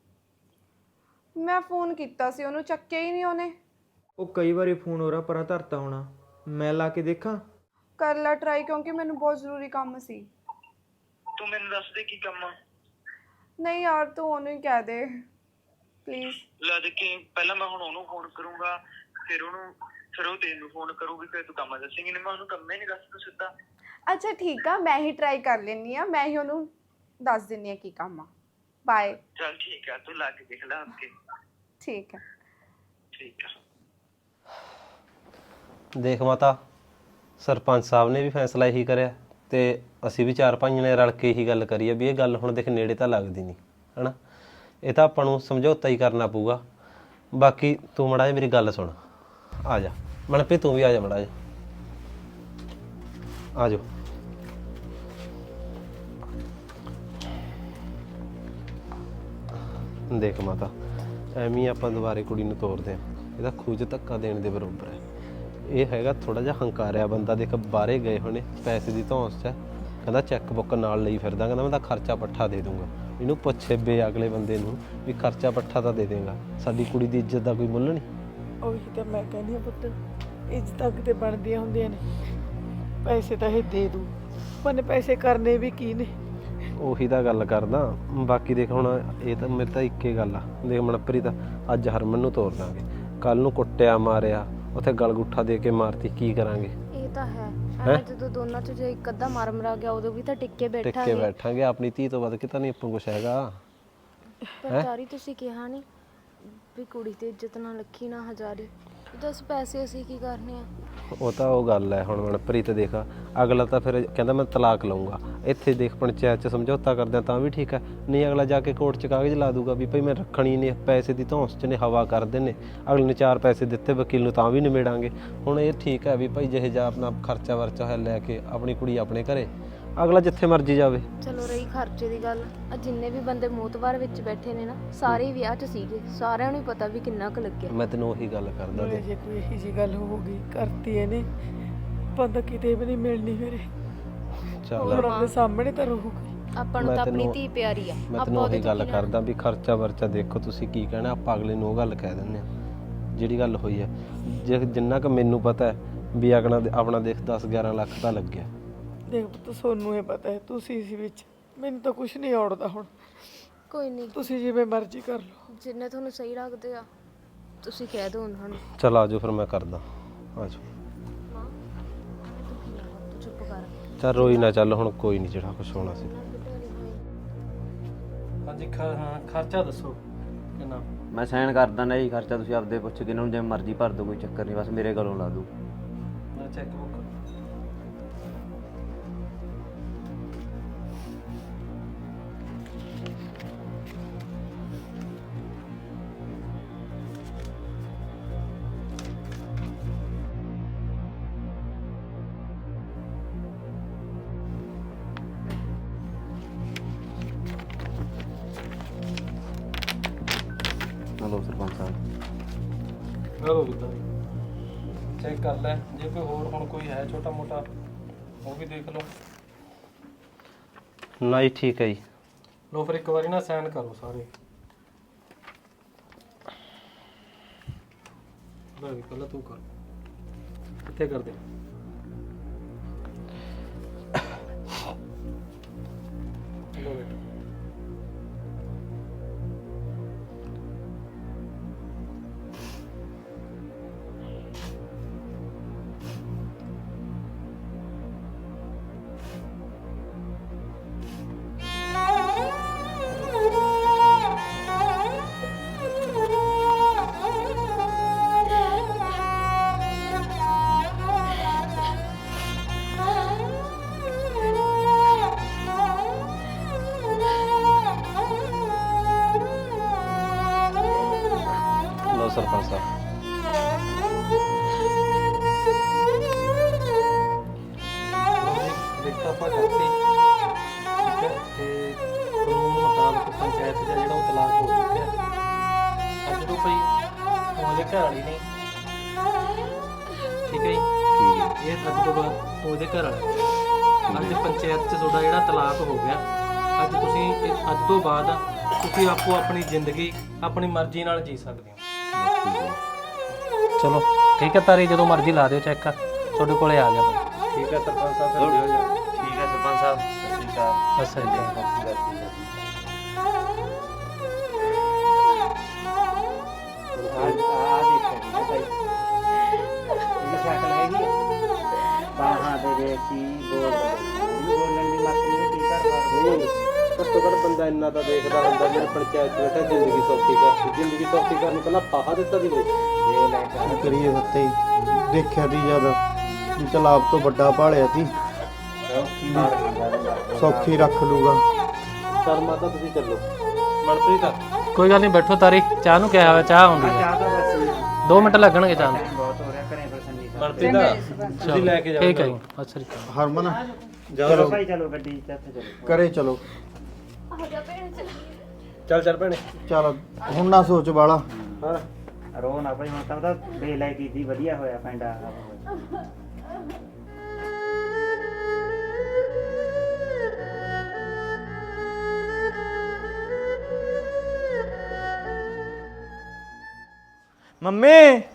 ਮੈਂ ਫੋਨ ਕੀਤਾ ਸੀ ਉਹਨੂੰ, ਚੱਕਿਆ ਹੀ ਨਹੀਂ ਉਹਨੇ।
ਉਹ ਕਈ ਵਾਰੀ ਫੋਨ ਹੋ ਰਿਹਾ ਪਰਾਂ ਧਰਤਾ ਹੋਣਾ, ਮੈਂ ਲਾ ਕੇ ਦੇਖਾਂ?
ਕਰ ਲੈ ਟਰਾਈ, ਕਿਉਂਕਿ ਮੈਨੂੰ ਬਹੁਤ ਜ਼ਰੂਰੀ ਕੰਮ ਸੀ।
ਤੂੰ ਮੈਨੂੰ ਦੱਸ ਦੇ ਕੀ ਕੰਮ ਆ।
ਨਹੀਂ ਯਾਰ, ਤੂੰ ਉਹਨੂੰ ਹੀ ਕਹਿ ਦੇ ਪਲੀਜ਼।
ਲੈ ਦੇ ਕੇ ਪਹਿਲਾਂ ਮੈਂ ਹੁਣ ਉਹਨੂੰ ਫੋਨ ਕਰੂੰਗਾ, ਫਿਰ ਉਹ ਤੈਨੂੰ ਫੋਨ ਕਰੂਗੀ, ਫਿਰ ਤੂੰ ਕੰਮ ਦੱਸੇਂਗੀ। ਨਹੀਂ, ਮੈਂ ਉਹਨੂੰ ਕੰਮ ਹੀ ਨਹੀਂ ਦੱਸ ਤੂੰ ਸਿੱਧਾ।
ਅੱਛਾ ਠੀਕ ਆ, ਮੈਂ ਹੀ ਟਰਾਈ ਕਰ ਲੈਂਦੀ ਆ, ਮੈਂ ਹੀ ਉਹਨੂੰ ਦੱਸ ਦਿੰਦੀ ਆ ਕੀ ਕੰਮ ਆ। ਬਾਏ।
ਚੱਲ ਠੀਕ ਆ, ਤੂੰ ਲਾ ਕੇ ਦੇਖ ਲੈ ਅੱਗੇ।
ਠੀਕ ਹੈ।
ਠੀਕ ਆ।
ਦੇਖ ਮਾਤਾ, ਸਰਪੰਚ ਸਾਹਿਬ ਨੇ ਵੀ ਫੈਸਲਾ ਇਹੀ ਕਰਿਆ ਤੇ ਅਸੀਂ ਵੀ ਚਾਰ ਭਾਈਆਂ ਨੇ ਰਲ ਕੇ ਇਹੀ ਗੱਲ ਕਰੀ ਆ ਵੀ ਇਹ ਗੱਲ ਹੁਣ ਦੇਖ ਨੇੜੇ ਤਾਂ ਲੱਗਦੀ ਨਹੀਂ ਹਨਾ, ਇਹ ਤਾਂ ਆਪਾਂ ਨੂੰ ਸਮਝੌਤਾ ਹੀ ਕਰਨਾ ਪਊਗਾ। ਬਾਕੀ ਤੂੰ ਮੜਾ ਜਿਹਾ ਮੇਰੀ ਗੱਲ ਸੁਣ, ਆ ਜਾ ਮਨਪ੍ਰੀਤ, ਤੂੰ ਵੀ ਆ ਜਾ ਮੜਾ ਜਿਹਾ, ਆ ਜਾਓ। ਦੇਖ ਮਾਤਾ, ਐਵੇਂ ਆਪਾਂ ਦੁਬਾਰੇ ਕੁੜੀ ਨੂੰ ਤੋਰਦੇ ਆ, ਇਹਦਾ ਖੂਜ ਧੱਕਾ ਦੇਣ ਦੇ ਬਰਾਬਰ ਹੈ। ਇਹ ਹੈਗਾ ਥੋੜਾ ਜਿਹਾ ਹੰਕਾਰਿਆ ਬੰਦਾ, ਦੇਖ ਬਾਹਰੇ ਗਏ ਹੋਣੇ, ਪੈਸੇ ਦੀ ਧੌਂਸ 'ਚ ਹੈ, ਕਹਿੰਦਾ ਚੈੱਕ ਬੁੱਕ ਨਾਲ ਲਈ ਫਿਰਦਾ, ਕਹਿੰਦਾ ਮੈਂ ਤਾਂ ਖਰਚਾ ਪੱਠਾ ਦੇ ਦੂੰਗਾ। ਇਹਨੂੰ ਪੁੱਛੇ ਬੇ ਅਗਲੇ ਬੰਦੇ ਨੂੰ ਵੀ ਖਰਚਾ ਪੱਠਾ ਤਾਂ ਦੇ ਦੇਗਾ, ਸਾਡੀ ਕੁੜੀ ਦੀ ਇੱਜ਼ਤ ਦਾ ਕੋਈ ਮੁੱਲ ਨਹੀਂ।
ਉਹੀ ਤਾਂ ਮੈਂ ਕਹਿੰਦੀ ਆ ਪੁੱਤ, ਇੱਜ਼ਤਾਂ ਕਿਤੇ ਬਣਦੀਆਂ ਹੁੰਦੀਆਂ ਨੇ, ਪੈਸੇ ਤਾਂ ਇਹ ਦੇ ਦੂ, ਪਰ ਪੈਸੇ ਕਰਨੇ ਵੀ ਕੀ ਨੇ।
ਉਹੀ ਤਾਂ ਗੱਲ ਕਰਦਾ। ਬਾਕੀ ਦੇਖ ਹੁਣ ਇਹ ਤਾਂ ਮੇਰੇ ਤਾਂ ਇੱਕੇ ਗੱਲ ਆ, ਦੇਖ ਮਨਪ੍ਰੀਤ ਅੱਜ ਹਰਮਨ ਨੂੰ ਤੋਰ ਦਾਂਗੇ, ਕੱਲ ਨੂੰ ਕੁੱਟਿਆ ਮਾਰਿਆ, ਉੱਥੇ ਗਲਗੁੱਠਾ ਦੇ ਕੇ ਮਾਰਤੀ, ਕੀ ਕਰਾਂਗੇ?
ਇਹ ਤਾਂ ਹੈ ਐਵੇਂ ਜਦੋਂ ਦੋਨਾਂ ਚ ਜੇ ਇੱਕ ਅੱਧਾ ਮਾਰ ਮਰਾ ਗਿਆ ਉਦੋਂ ਵੀ ਤਾਂ ਟਿੱਕੇ ਬੈਠਾਂਗੇ।
ਆਪਣੀ ਧੀ ਤੋਂ ਵੱਧ ਕੇ ਤਾਂ ਨਹੀਂ ਆਪਾਂ ਕੁਛ ਹੈਗਾ।
ਪਰ ਚਾਰੀ ਤੁਸੀਂ ਕਿਹਾ ਨਹੀਂ ਵੀ ਕੁੜੀ ਤੇ ਇੱਜ਼ਤ ਨਾ ਰੱਖੀ ਨਾ ਹਜ਼ਾਰੀ, ਦੱਸ ਪੈਸੇ ਅਸੀਂ ਕੀ ਕਰਨੇ ਆ?
ਉਹ ਤਾਂ ਉਹ ਗੱਲ ਹੈ ਹੁਣ ਮਨਪ੍ਰੀਤ, ਦੇਖ ਅਗਲਾ ਤਾਂ ਫਿਰ ਕਹਿੰਦਾ ਮੈਂ ਤਲਾਕ ਲਊਂਗਾ, ਇੱਥੇ ਦੇਖ ਪੰਚਾਇਤ 'ਚ ਸਮਝੌਤਾ ਕਰਦਿਆਂ ਤਾਂ ਵੀ ਠੀਕ ਹੈ, ਨਹੀਂ ਅਗਲਾ ਜਾ ਕੇ ਕੋਰਟ 'ਚ ਕਾਗਜ਼ ਲਾ ਦੂਗਾ ਵੀ ਭਈ ਮੈਂ ਰੱਖਣੀ ਨੇ, ਪੈਸੇ ਦੀ ਧੌਂਸ 'ਚ ਨੇ, ਹਵਾ ਕਰਦੇ ਨੇ, ਅਗਲੇ ਨੇ 4 ਪੈਸੇ ਦਿੱਤੇ ਵਕੀਲ ਨੂੰ ਤਾਂ ਵੀ ਨਿਬੇੜਾਂਗੇ। ਹੁਣ ਇਹ ਠੀਕ ਹੈ ਵੀ ਭਾਈ ਜਿਹੇ ਜਾ ਆਪਣਾ ਖਰਚਾ ਵਰਚਾ ਹੋਇਆ ਲੈ ਕੇ ਆਪਣੀ ਕੁੜੀ ਆਪਣੇ ਘਰੇ, ਅਗਲਾ ਜਿੱਥੇ ਮਰਜ਼ੀ ਜਾਵੇ।
ਚਲੋ ਰਹੀ ਖਰਚੇ ਦੀ ਗੱਲ, ਆ ਜਿੰਨੇ ਵੀ ਬੰਦੇ ਮੋਤਵਾਰ ਵਿੱਚ ਬੈਠੇ ਨੇ ਨਾ, ਸਾਰੇ ਵਿਆਹ 'ਚ ਸੀਗੇ, ਸਾਰਿਆਂ ਨੂੰ ਹੀ ਪਤਾ ਵੀ ਕਿੰਨਾ ਕੁ ਲੱਗਿਆ।
ਮੈਂ ਤੈਨੂੰ ਉਹੀ ਗੱਲ ਕਰਦਾ,
ਨਾਲੇ ਜੇ ਕੋਈ ਇਹੀ ਜਿਹੀ ਗੱਲ ਹੋ ਗਈ ਕਰਤੀ ਇਹਨੇ, ਬੰਦਾ ਕਿਤੇ ਵੀ ਨਹੀਂ ਮਿਲਣੀ ਮੇਰੇ,
ਚੱਲ
ਹੁਣ ਉਹਦੇ ਸਾਹਮਣੇ ਤਾਂ ਰਹੂਗੀ।
ਆਪਾਂ ਨੂੰ ਤਾਂ ਆਪਣੀ ਧੀ ਪਿਆਰੀ ਆ,
ਮੈਂ ਤੈਨੂੰ ਉਹੀ ਗੱਲ ਕਰਦਾ ਵੀ ਖਰਚਾ ਵਰਚਾ ਦੇਖੋ ਤੁਸੀਂ ਕੀ ਕਹਿਣਾ, ਆਪਾਂ ਅਗਲੇ ਨੂੰ ਉਹ ਗੱਲ ਕਹਿ ਦਿੰਦੇ ਆ ਜਿਹੜੀ ਗੱਲ ਹੋਈ ਹੈ। ਜੇ ਜਿੰਨਾ ਕੁ ਮੈਨੂੰ ਪਤਾ ਹੈ ਵੀ ਆਪਣਾ ਦੇਖ 10-11 ਲੱਖ ਤਾਂ ਲੱਗਿਆ।
ਦੇਖ ਪੁੱਤ, ਸੋਨੂੰ ਇਹ ਪਤਾ ਹੈ, ਤੁਸੀਂ ਇਸ ਵਿੱਚ, ਮੈਨੂੰ ਤਾਂ ਕੁਝ ਨਹੀਂ ਔੜਦਾ। ਹੁਣ
ਕੋਈ ਨਹੀਂ,
ਤੁਸੀਂ ਜਿਵੇਂ ਮਰਜ਼ੀ ਕਰ ਲਓ,
ਜਿੰਨੇ ਤੁਹਾਨੂੰ ਸਹੀ ਲੱਗਦੇ ਆ ਤੁਸੀਂ ਕਹਿ ਦਿਓ ਉਹਨਾਂ ਨੂੰ।
ਚਲ ਆਜੋ ਫਿਰ ਮੈਂ ਕਰਦਾ, ਆਜੋ।
ਚੁੱਪ ਕਰ।
ਚੱਲ ਰੋਈ ਨਾ, ਚੱਲ ਹੁਣ ਕੋਈ ਨਹੀਂ, ਜਿਹੜਾ ਕੁਛ ਹੋਣਾ ਸੀ।
ਹਾਂਜੀ ਖਰਚਾ ਦੱਸੋ ਕਿੰਨਾ?
ਮੈਂ ਸਾਈਨ ਕਰ ਦਿੰਦਾ ਜੀ, ਖਰਚਾ ਤੁਸੀਂ ਆਪਦੇ ਪੁੱਛ ਕੇ ਇਹਨਾਂ ਨੂੰ ਜਿਵੇਂ ਮਰਜ਼ੀ ਭਰ ਦਿਓ, ਕੋਈ ਚੱਕਰ ਨਹੀਂ, ਬਸ ਮੇਰੇ ਕੋਲੋਂ ਲਾ ਦਿਓ।
ਮੈਂ cheque book
hello sarpanch sahib.
ਲਓ ਬੁੱਧਾ, ਚੈੱਕ ਕਰ ਲੈ, ਜੇ ਕੋਈ ਹੋਰ ਹੁਣ ਕੋਈ ਹੈ ਛੋਟਾ ਮੋਟਾ ਉਹ ਵੀ ਦੇਖ ਲਓ।
ਨਹੀਂ ਠੀਕ ਹੈ ਜੀ।
ਲਓ ਫਿਰ ਇੱਕ ਵਾਰੀ ਨਾ ਸਾਈਨ ਕਰੋ ਸਾਰੇ। ਲੈ ਵੀ ਪਹਿਲਾਂ ਤੂੰ ਕਰ, ਕਿੱਥੇ ਕਰਦੇ? ਲਓ ਬੇਟਾ। ਆਪਾਂ ਕਰਤੀ, ਠੀਕ ਹੈ, ਤੇ ਕਾਨੂੰਨ ਮੁਤਾਬਕ ਪੰਚਾਇਤ ਦਾ ਜਿਹੜਾ ਉਹ ਤਲਾਕ ਹੋ ਚੁੱਕਿਆ। ਅੱਜ ਤੋਂ ਭਈ ਤੂੰ ਉਹਦੇ ਘਰ ਵਾਲੀ ਨਹੀਂ, ਠੀਕ ਹੈ ਜੀ। ਇਹ ਅੱਜ ਤੋਂ ਬਾਅਦ ਤੂੰ ਉਹਦੇ ਘਰ ਵਾਲਾ। ਅੱਜ ਪੰਚਾਇਤ 'ਚ ਤੁਹਾਡਾ ਜਿਹੜਾ ਤਲਾਕ ਹੋ ਗਿਆ। ਅੱਜ ਤੁਸੀਂ ਅੱਜ ਤੋਂ ਬਾਅਦ ਤੁਸੀਂ ਆਪੋ ਆਪਣੀ ਜ਼ਿੰਦਗੀ ਆਪਣੀ ਮਰਜ਼ੀ ਨਾਲ ਜੀ ਸਕਦੇ ਹੋ। ਚਲੋ ਠੀਕ ਹੈ ਤਾਰੀ, ਜਦੋਂ ਮਰਜ਼ੀ ਲਾ ਦਿਓ ਚੈੱਕ, ਤੁਹਾਡੇ ਕੋਲੇ ਆ ਗਿਆ ਬਈ।
ਠੀਕ ਹੈ ਸਰਪੰਚ ਸਾਹਿਬ, ਫਿਰ ਦਿਓ ਜੀ।
ਠੀਕ ਹੈ ਸਰਪੰਚ ਸਾਹਿਬ, ਸਤਿ ਸ਼੍ਰੀ ਅਕਾਲ।
ਬਸ ਸਹੀ
ਘੱਟੋ ਘੱਟ ਬੰਦਾ ਇੰਨਾ ਤਾਂ ਦੇਖਦਾ ਹੁੰਦਾ, ਮੇਰੇ ਪੰਚਾਇਤ 'ਚ ਬੈਠਾ ਜ਼ਿੰਦਗੀ ਸੌਖੀ ਕਰਤੀ। ਜ਼ਿੰਦਗੀ ਸੌਖੀ ਕਰਨ ਨੂੰ ਪਹਿਲਾਂ ਫਾਹਾ ਦਿੱਤਾ ਦੀ ਬਈ।
ਕੀ ਕਰੀਏ ਸੱਤੇ ਦੇਖਿਆ ਤੀ ਜਦ ਵੀ ਚਲ ਆਪ ਤੋਂ ਵੱਡਾ ਭਾਲਿਆ ਤੀ, ਸੌਖੀ ਰੱਖ ਲੂਗਾ।
ਚੱਲ ਮਾਤਾ ਤੁਸੀਂ ਚੱਲੋ। ਮਨਪ੍ਰੀਤ
ਕੋਈ ਗੱਲ ਨਹੀਂ, ਬੈਠੋ ਤਾਰੀ, ਚਾਹ ਨੂੰ ਕਿਹਾ ਹੋਇਆ, ਚਾਹ ਆਉਂਦੀ ਹੈ। 2 ਮਿੰਟ ਲੱਗਣਗੇ ਚਾਹ ਨੂੰ।
ਮਨਪ੍ਰੀਤ ਤੁਸੀਂ ਲੈ ਕੇ ਜਾਓ।
ਠੀਕ ਹੈ ਜੀ, ਸਤਿ ਸ਼੍ਰੀ ਅਕਾਲ।
ਹਰਮਨ
ਚਲੋ
ਭਾਈ, ਚਲੋ ਗੱਡੀ ਕਰੇ ਚਲੋ।
ਚੱਲ ਚੱਲ ਭੈਣੇ।
ਚੱਲ ਹੁਣ ਨਾ ਸੋਚ ਵਾਲਾ।
ਹਾਂ
ਰੋ ਨਾ ਭਾਈ, ਹੁਣ ਤਾਂ ਬੇਲਾਈ ਕੀਤੀ, ਵਧੀਆ ਹੋਇਆ ਪੈਂਡਾ।
ਮੰਮੀ,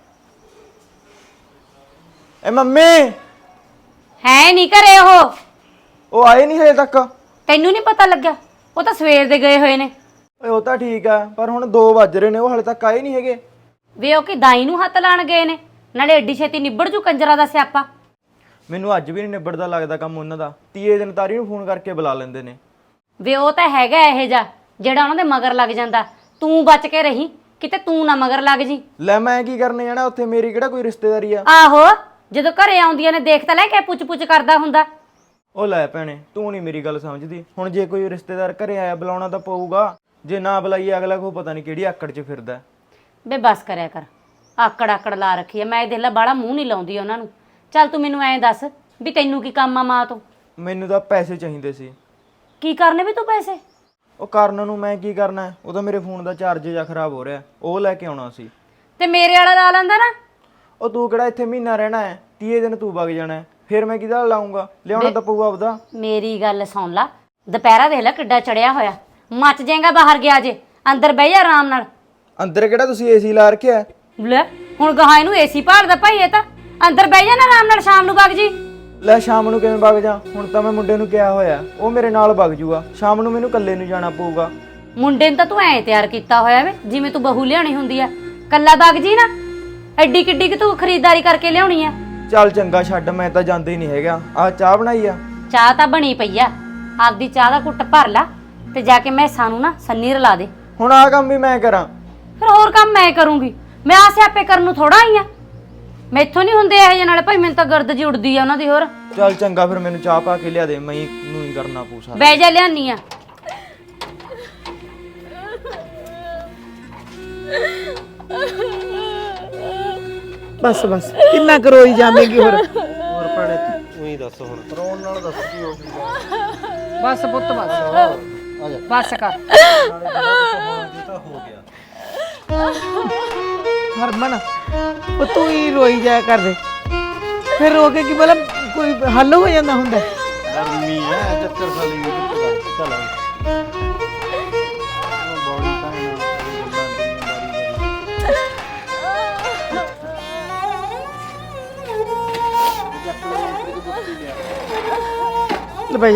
ਏ ਮੰਮੀ,
ਹੈ ਨਹੀਂ ਘਰੇ
ਉਹ ਆਏ ਨਹੀਂ ਹਜੇ ਤੱਕ।
ਤੈਨੂੰ ਨਹੀਂ ਪਤਾ ਲੱਗਿਆ? ਉਹ ਤਾਂ ਸਵੇਰ ਦੇ ਗਏ ਹੋਏ ਨੇ।
ਓਏ ਉਹ ਤਾਂ ਠੀਕ ਆ, ਪਰ ਹੁਣ 2 ਵੱਜ ਰਹੇ ਨੇ, ਉਹ ਹਲੇ ਤੱਕ ਆਏ ਨਹੀਂ ਹੈਗੇ।
ਵੇ ਉਹ ਕਿ ਦਾਈ ਨੂੰ ਹੱਥ ਲਾਣ ਗਏ ਨੇ, ਨਾਲੇ ਏਡੀ ਛੇਤੀ ਨਿਬੜ ਜੂ ਕੰਜਰਾ ਦਾ ਸਿਆਪਾ।
ਮੈਨੂੰ ਅੱਜ ਵੀ ਨਹੀਂ ਨਿਬੜਦਾ ਲੱਗਦਾ ਕੰਮ ਉਹਨਾਂ ਦਾ। ਤੀਏ ਦਿਨ ਤਾਰੀ ਨੂੰ ਫੋਨ ਕਰਕੇ ਬੁਲਾ ਲੈਂਦੇ ਨੇ।
ਵੇ ਉਹ ਤਾਂ ਹੈਗਾ ਇਹ ਜਾ ਜਿਹੜਾ ਉਹਨਾਂ ਦੇ ਮਗਰ ਲੱਗ ਜਾਂਦਾ। ਤੂੰ ਬਚ ਕੇ ਰਹੀ, ਕਿਤੇ ਤੂੰ ਨਾ ਮਗਰ ਲੱਗ ਜੀ।
ਲੈ ਮੈਂ ਕੀ ਕਰਨੇ ਜਾਣਾ ਉੱਥੇ, ਮੇਰੀ ਕਿਹੜਾ ਕੋਈ ਰਿਸ਼ਤੇਦਾਰੀ ਆ।
ਆਹੋ, ਜਦੋਂ ਘਰੇ ਆਉਂਦੀਆਂ ਨੇ ਦੇਖ ਤਾਂ ਲੈ ਕੇ ਪੁੱਛ ਪੁੱਛ ਕਰਦਾ ਹੁੰਦਾ।
ਉਹ ਲੈ ਭੈਣੇ, ਤੂੰ ਨਹੀਂ ਮੇਰੀ ਗੱਲ ਸਮਝਦੀ। ਹੁਣ ਜੇ ਕੋਈ ਰਿਸ਼ਤੇਦਾਰ ਘਰੇ ਆਇਆ ਬੁਲਾਉਣਾ ਤਾਂ ਪਊਗਾ, ਜੇ ਨਾ ਬੁਲਾਈਏ ਅਗਲਾ ਕੋ ਪਤਾ ਨਹੀਂ ਕਿਹੜੀ ਆਕੜ 'ਚ ਫਿਰਦਾ।
ਬੇ ਬਸ ਕਰਿਆ ਕਰ, ਆਕੜ ਲਾ ਰੱਖੀ ਐ। ਮੈਂ ਦੇਖ ਲਾ ਬਾਹਲਾ ਮੂੰਹ ਨਹੀਂ ਲਾਉਂਦੀ ਉਹਨਾਂ ਨੂੰ। ਚੱਲ ਤੂੰ ਮੈਨੂੰ ਐਂ ਦੱਸ ਵੀ ਤੈਨੂੰ ਕੀ ਕੰਮ ਆ ਮਾਂ ਤੋਂ?
ਮੈਨੂੰ ਤਾਂ ਪੈਸੇ ਚਾਹੀਦੇ ਸੀ।
ਕੀ ਕਰਨੇ ਵੀ ਤੂੰ ਪੈਸੇ?
ਉਹ ਕਰਨ ਨੂੰ ਮੈਂ ਕੀ ਕਰਨਾ, ਉਹ ਤਾਂ ਮੇਰੇ ਫੋਨ ਦਾ ਚਾਰਜ ਜਾਂ ਖਰਾਬ ਹੋ ਰਿਹਾ, ਉਹ ਲੈ ਕੇ ਆਉਣਾ ਸੀ।
ਤੇ ਮੇਰੇ ਵਾਲਾ ਲਾ ਲੈਂਦਾ ਨਾ।
ਉਹ ਤੂੰ ਕਿਹੜਾ ਇੱਥੇ ਮਹੀਨਾ ਰਹਿਣਾ ਹੈ, 30 ਦਿਨ ਤੂੰ ਵਗ ਜਾਣਾ, ਫਿਰ ਮੈਂ ਕਿਹਦਾ ਲਾਉਂਗਾ? ਲਿਆਉਣਾ ਤਾਂ ਪਊਗਾ ਆਪਦਾ।
ਮੇਰੀ ਗੱਲ ਸੁਣ ਲਾ, ਦੁਪਹਿਰਾ ਦੇਖ ਲੈ ਕਿੱਡਾ ਚੜਿਆ ਹੋਇਆ, ਮੱਚ ਜਾਏਗਾ ਬਾਹਰ ਗਿਆ ਜੇ। ਅੰਦਰ ਬਹਿ ਜਾ ਆਰਾਮ ਨਾਲ।
ਅੰਦਰ ਕਿਹੜਾ ਤੁਸੀਂ ਏਸੀ ਲਾ ਰੱਖਿਆ?
ਲੈ ਹੁਣ ਗਾਹਾਂ ਇਹਨੂੰ ਏਸੀ ਭਾਲਦਾ ਭਾਈ, ਇਹ ਤਾਂ ਅੰਦਰ ਬਹਿ ਜਾ ਨਾ ਆਰਾਮ ਨਾਲ, ਸ਼ਾਮ ਨੂੰ ਵਗ ਜੀ।
ਲੈ ਸ਼ਾਮ ਨੂੰ ਕਿਵੇਂ ਵਗ ਜਾ? ਹੁਣ ਤਾਂ ਮੈਂ ਮੁੰਡੇ ਨੂੰ ਕਿਹਾ ਹੋਇਆ, ਉਹ ਮੇਰੇ ਨਾਲ ਵਗ ਜੂਗਾ। ਸ਼ਾਮ ਨੂੰ ਮੈਨੂੰ ਇਕੱਲੇ ਨੂੰ ਜਾਣਾ ਪਊਗਾ।
ਮੁੰਡੇ ਨੂੰ ਤਾਂ ਤੂੰ ਐਂ ਤਿਆਰ ਕੀਤਾ ਹੋਇਆ ਵੇ ਜਿਵੇਂ ਤੂੰ ਬਹੂ ਲਿਆਉਣੀ ਹੁੰਦੀ ਆ। ਕੱਲਾ ਵਗ ਜੀ ਨਾ, ਐਡੀ ਕਿੱਡੀ ਕਿ ਤੂੰ ਖਰੀਦਦਾਰੀ ਕਰਕੇ ਲਿਆਉਣੀ ਆ।
ਚੱਲ ਚੰਗਾ ਛੱਡ, ਮੈਂ ਤਾਂ ਜਾਂਦਾ ਹੀ ਨਹੀਂ ਹੈਗਾ। ਆਹ ਚਾਹ ਬਣਾਈ ਆ?
ਚਾਹ ਤਾਂ ਬਣੀ ਪਈ ਆ, ਆਪਦੀ ਚਾਹ ਦਾ ਘੁੱਟ ਭਰ ਲਾ ਤੇ ਜਾ ਕੇ ਮੈਸਾਂ ਨੂੰ ਨਾ ਸੰਨੀ ਰਲਾ ਦੇ।
ਹੁਣ ਆਹ ਕੰਮ ਵੀ ਮੈਂ ਕਰਾਂ?
ਫਿਰ ਹੋਰ ਕੰਮ ਮੈਂ ਕਰੂੰਗੀ? ਮੈਂ ਆ ਸਿਆਪੇ ਕਰਨ ਨੂੰ ਥੋੜਾ ਆਈ ਆ। ਮੈਥੋਂ ਨਹੀਂ ਹੁੰਦੇ ਇਹ ਜਿਹੇ, ਨਾਲੇ ਭਾਈ ਮੈਨੂੰ ਤਾਂ ਗਰਦ ਜੀ ਉੱਡਦੀ ਆ ਉਹਨਾਂ ਦੀ। ਹੋਰ
ਚੱਲ ਚੰਗਾ, ਫਿਰ ਮੈਨੂੰ ਚਾਹ ਪਾ ਕੇ ਲਿਆ ਦੇ, ਮੈਂ ਨੂੰ ਹੀ ਕਰਨਾ ਪੂਸਾ।
ਬਹਿ ਜਾ, ਲਿਆਨੀ ਆ।
ਬਸ ਬਸ, ਕਿੰਨਾ ਕਰੋਈ ਜਾਵੇਂਗੀ ਹੋਰ।
ਹੋਰ ਭੈਣੇ ਤੂੰ ਹੀ ਦੱਸ ਹੁਣ।
ਰੋਣ ਨਾਲ ਦੱਸ ਕੀ ਹੋ ਜੂਗਾ।
ਬਸ ਪੁੱਤ ਬਸ, ਬਸ ਕਰ।
ਹੋ ਗਿਆ
ਹਰਮਨ, ਉਹ ਤੂੰ ਹੀ ਰੋਈ ਜਾਇਆ ਕਰਦੇ, ਫਿਰ ਰੋ ਕੇ ਕੀ ਮਤਲਬ ਕੋਈ ਹੱਲ ਹੋ ਜਾਂਦਾ ਹੁੰਦਾ?
ਗਰਮੀ ਹੈ, ਚੱਕਰ ਖਾਲੀ ਵੀ ਚੱਲ
ਬਈ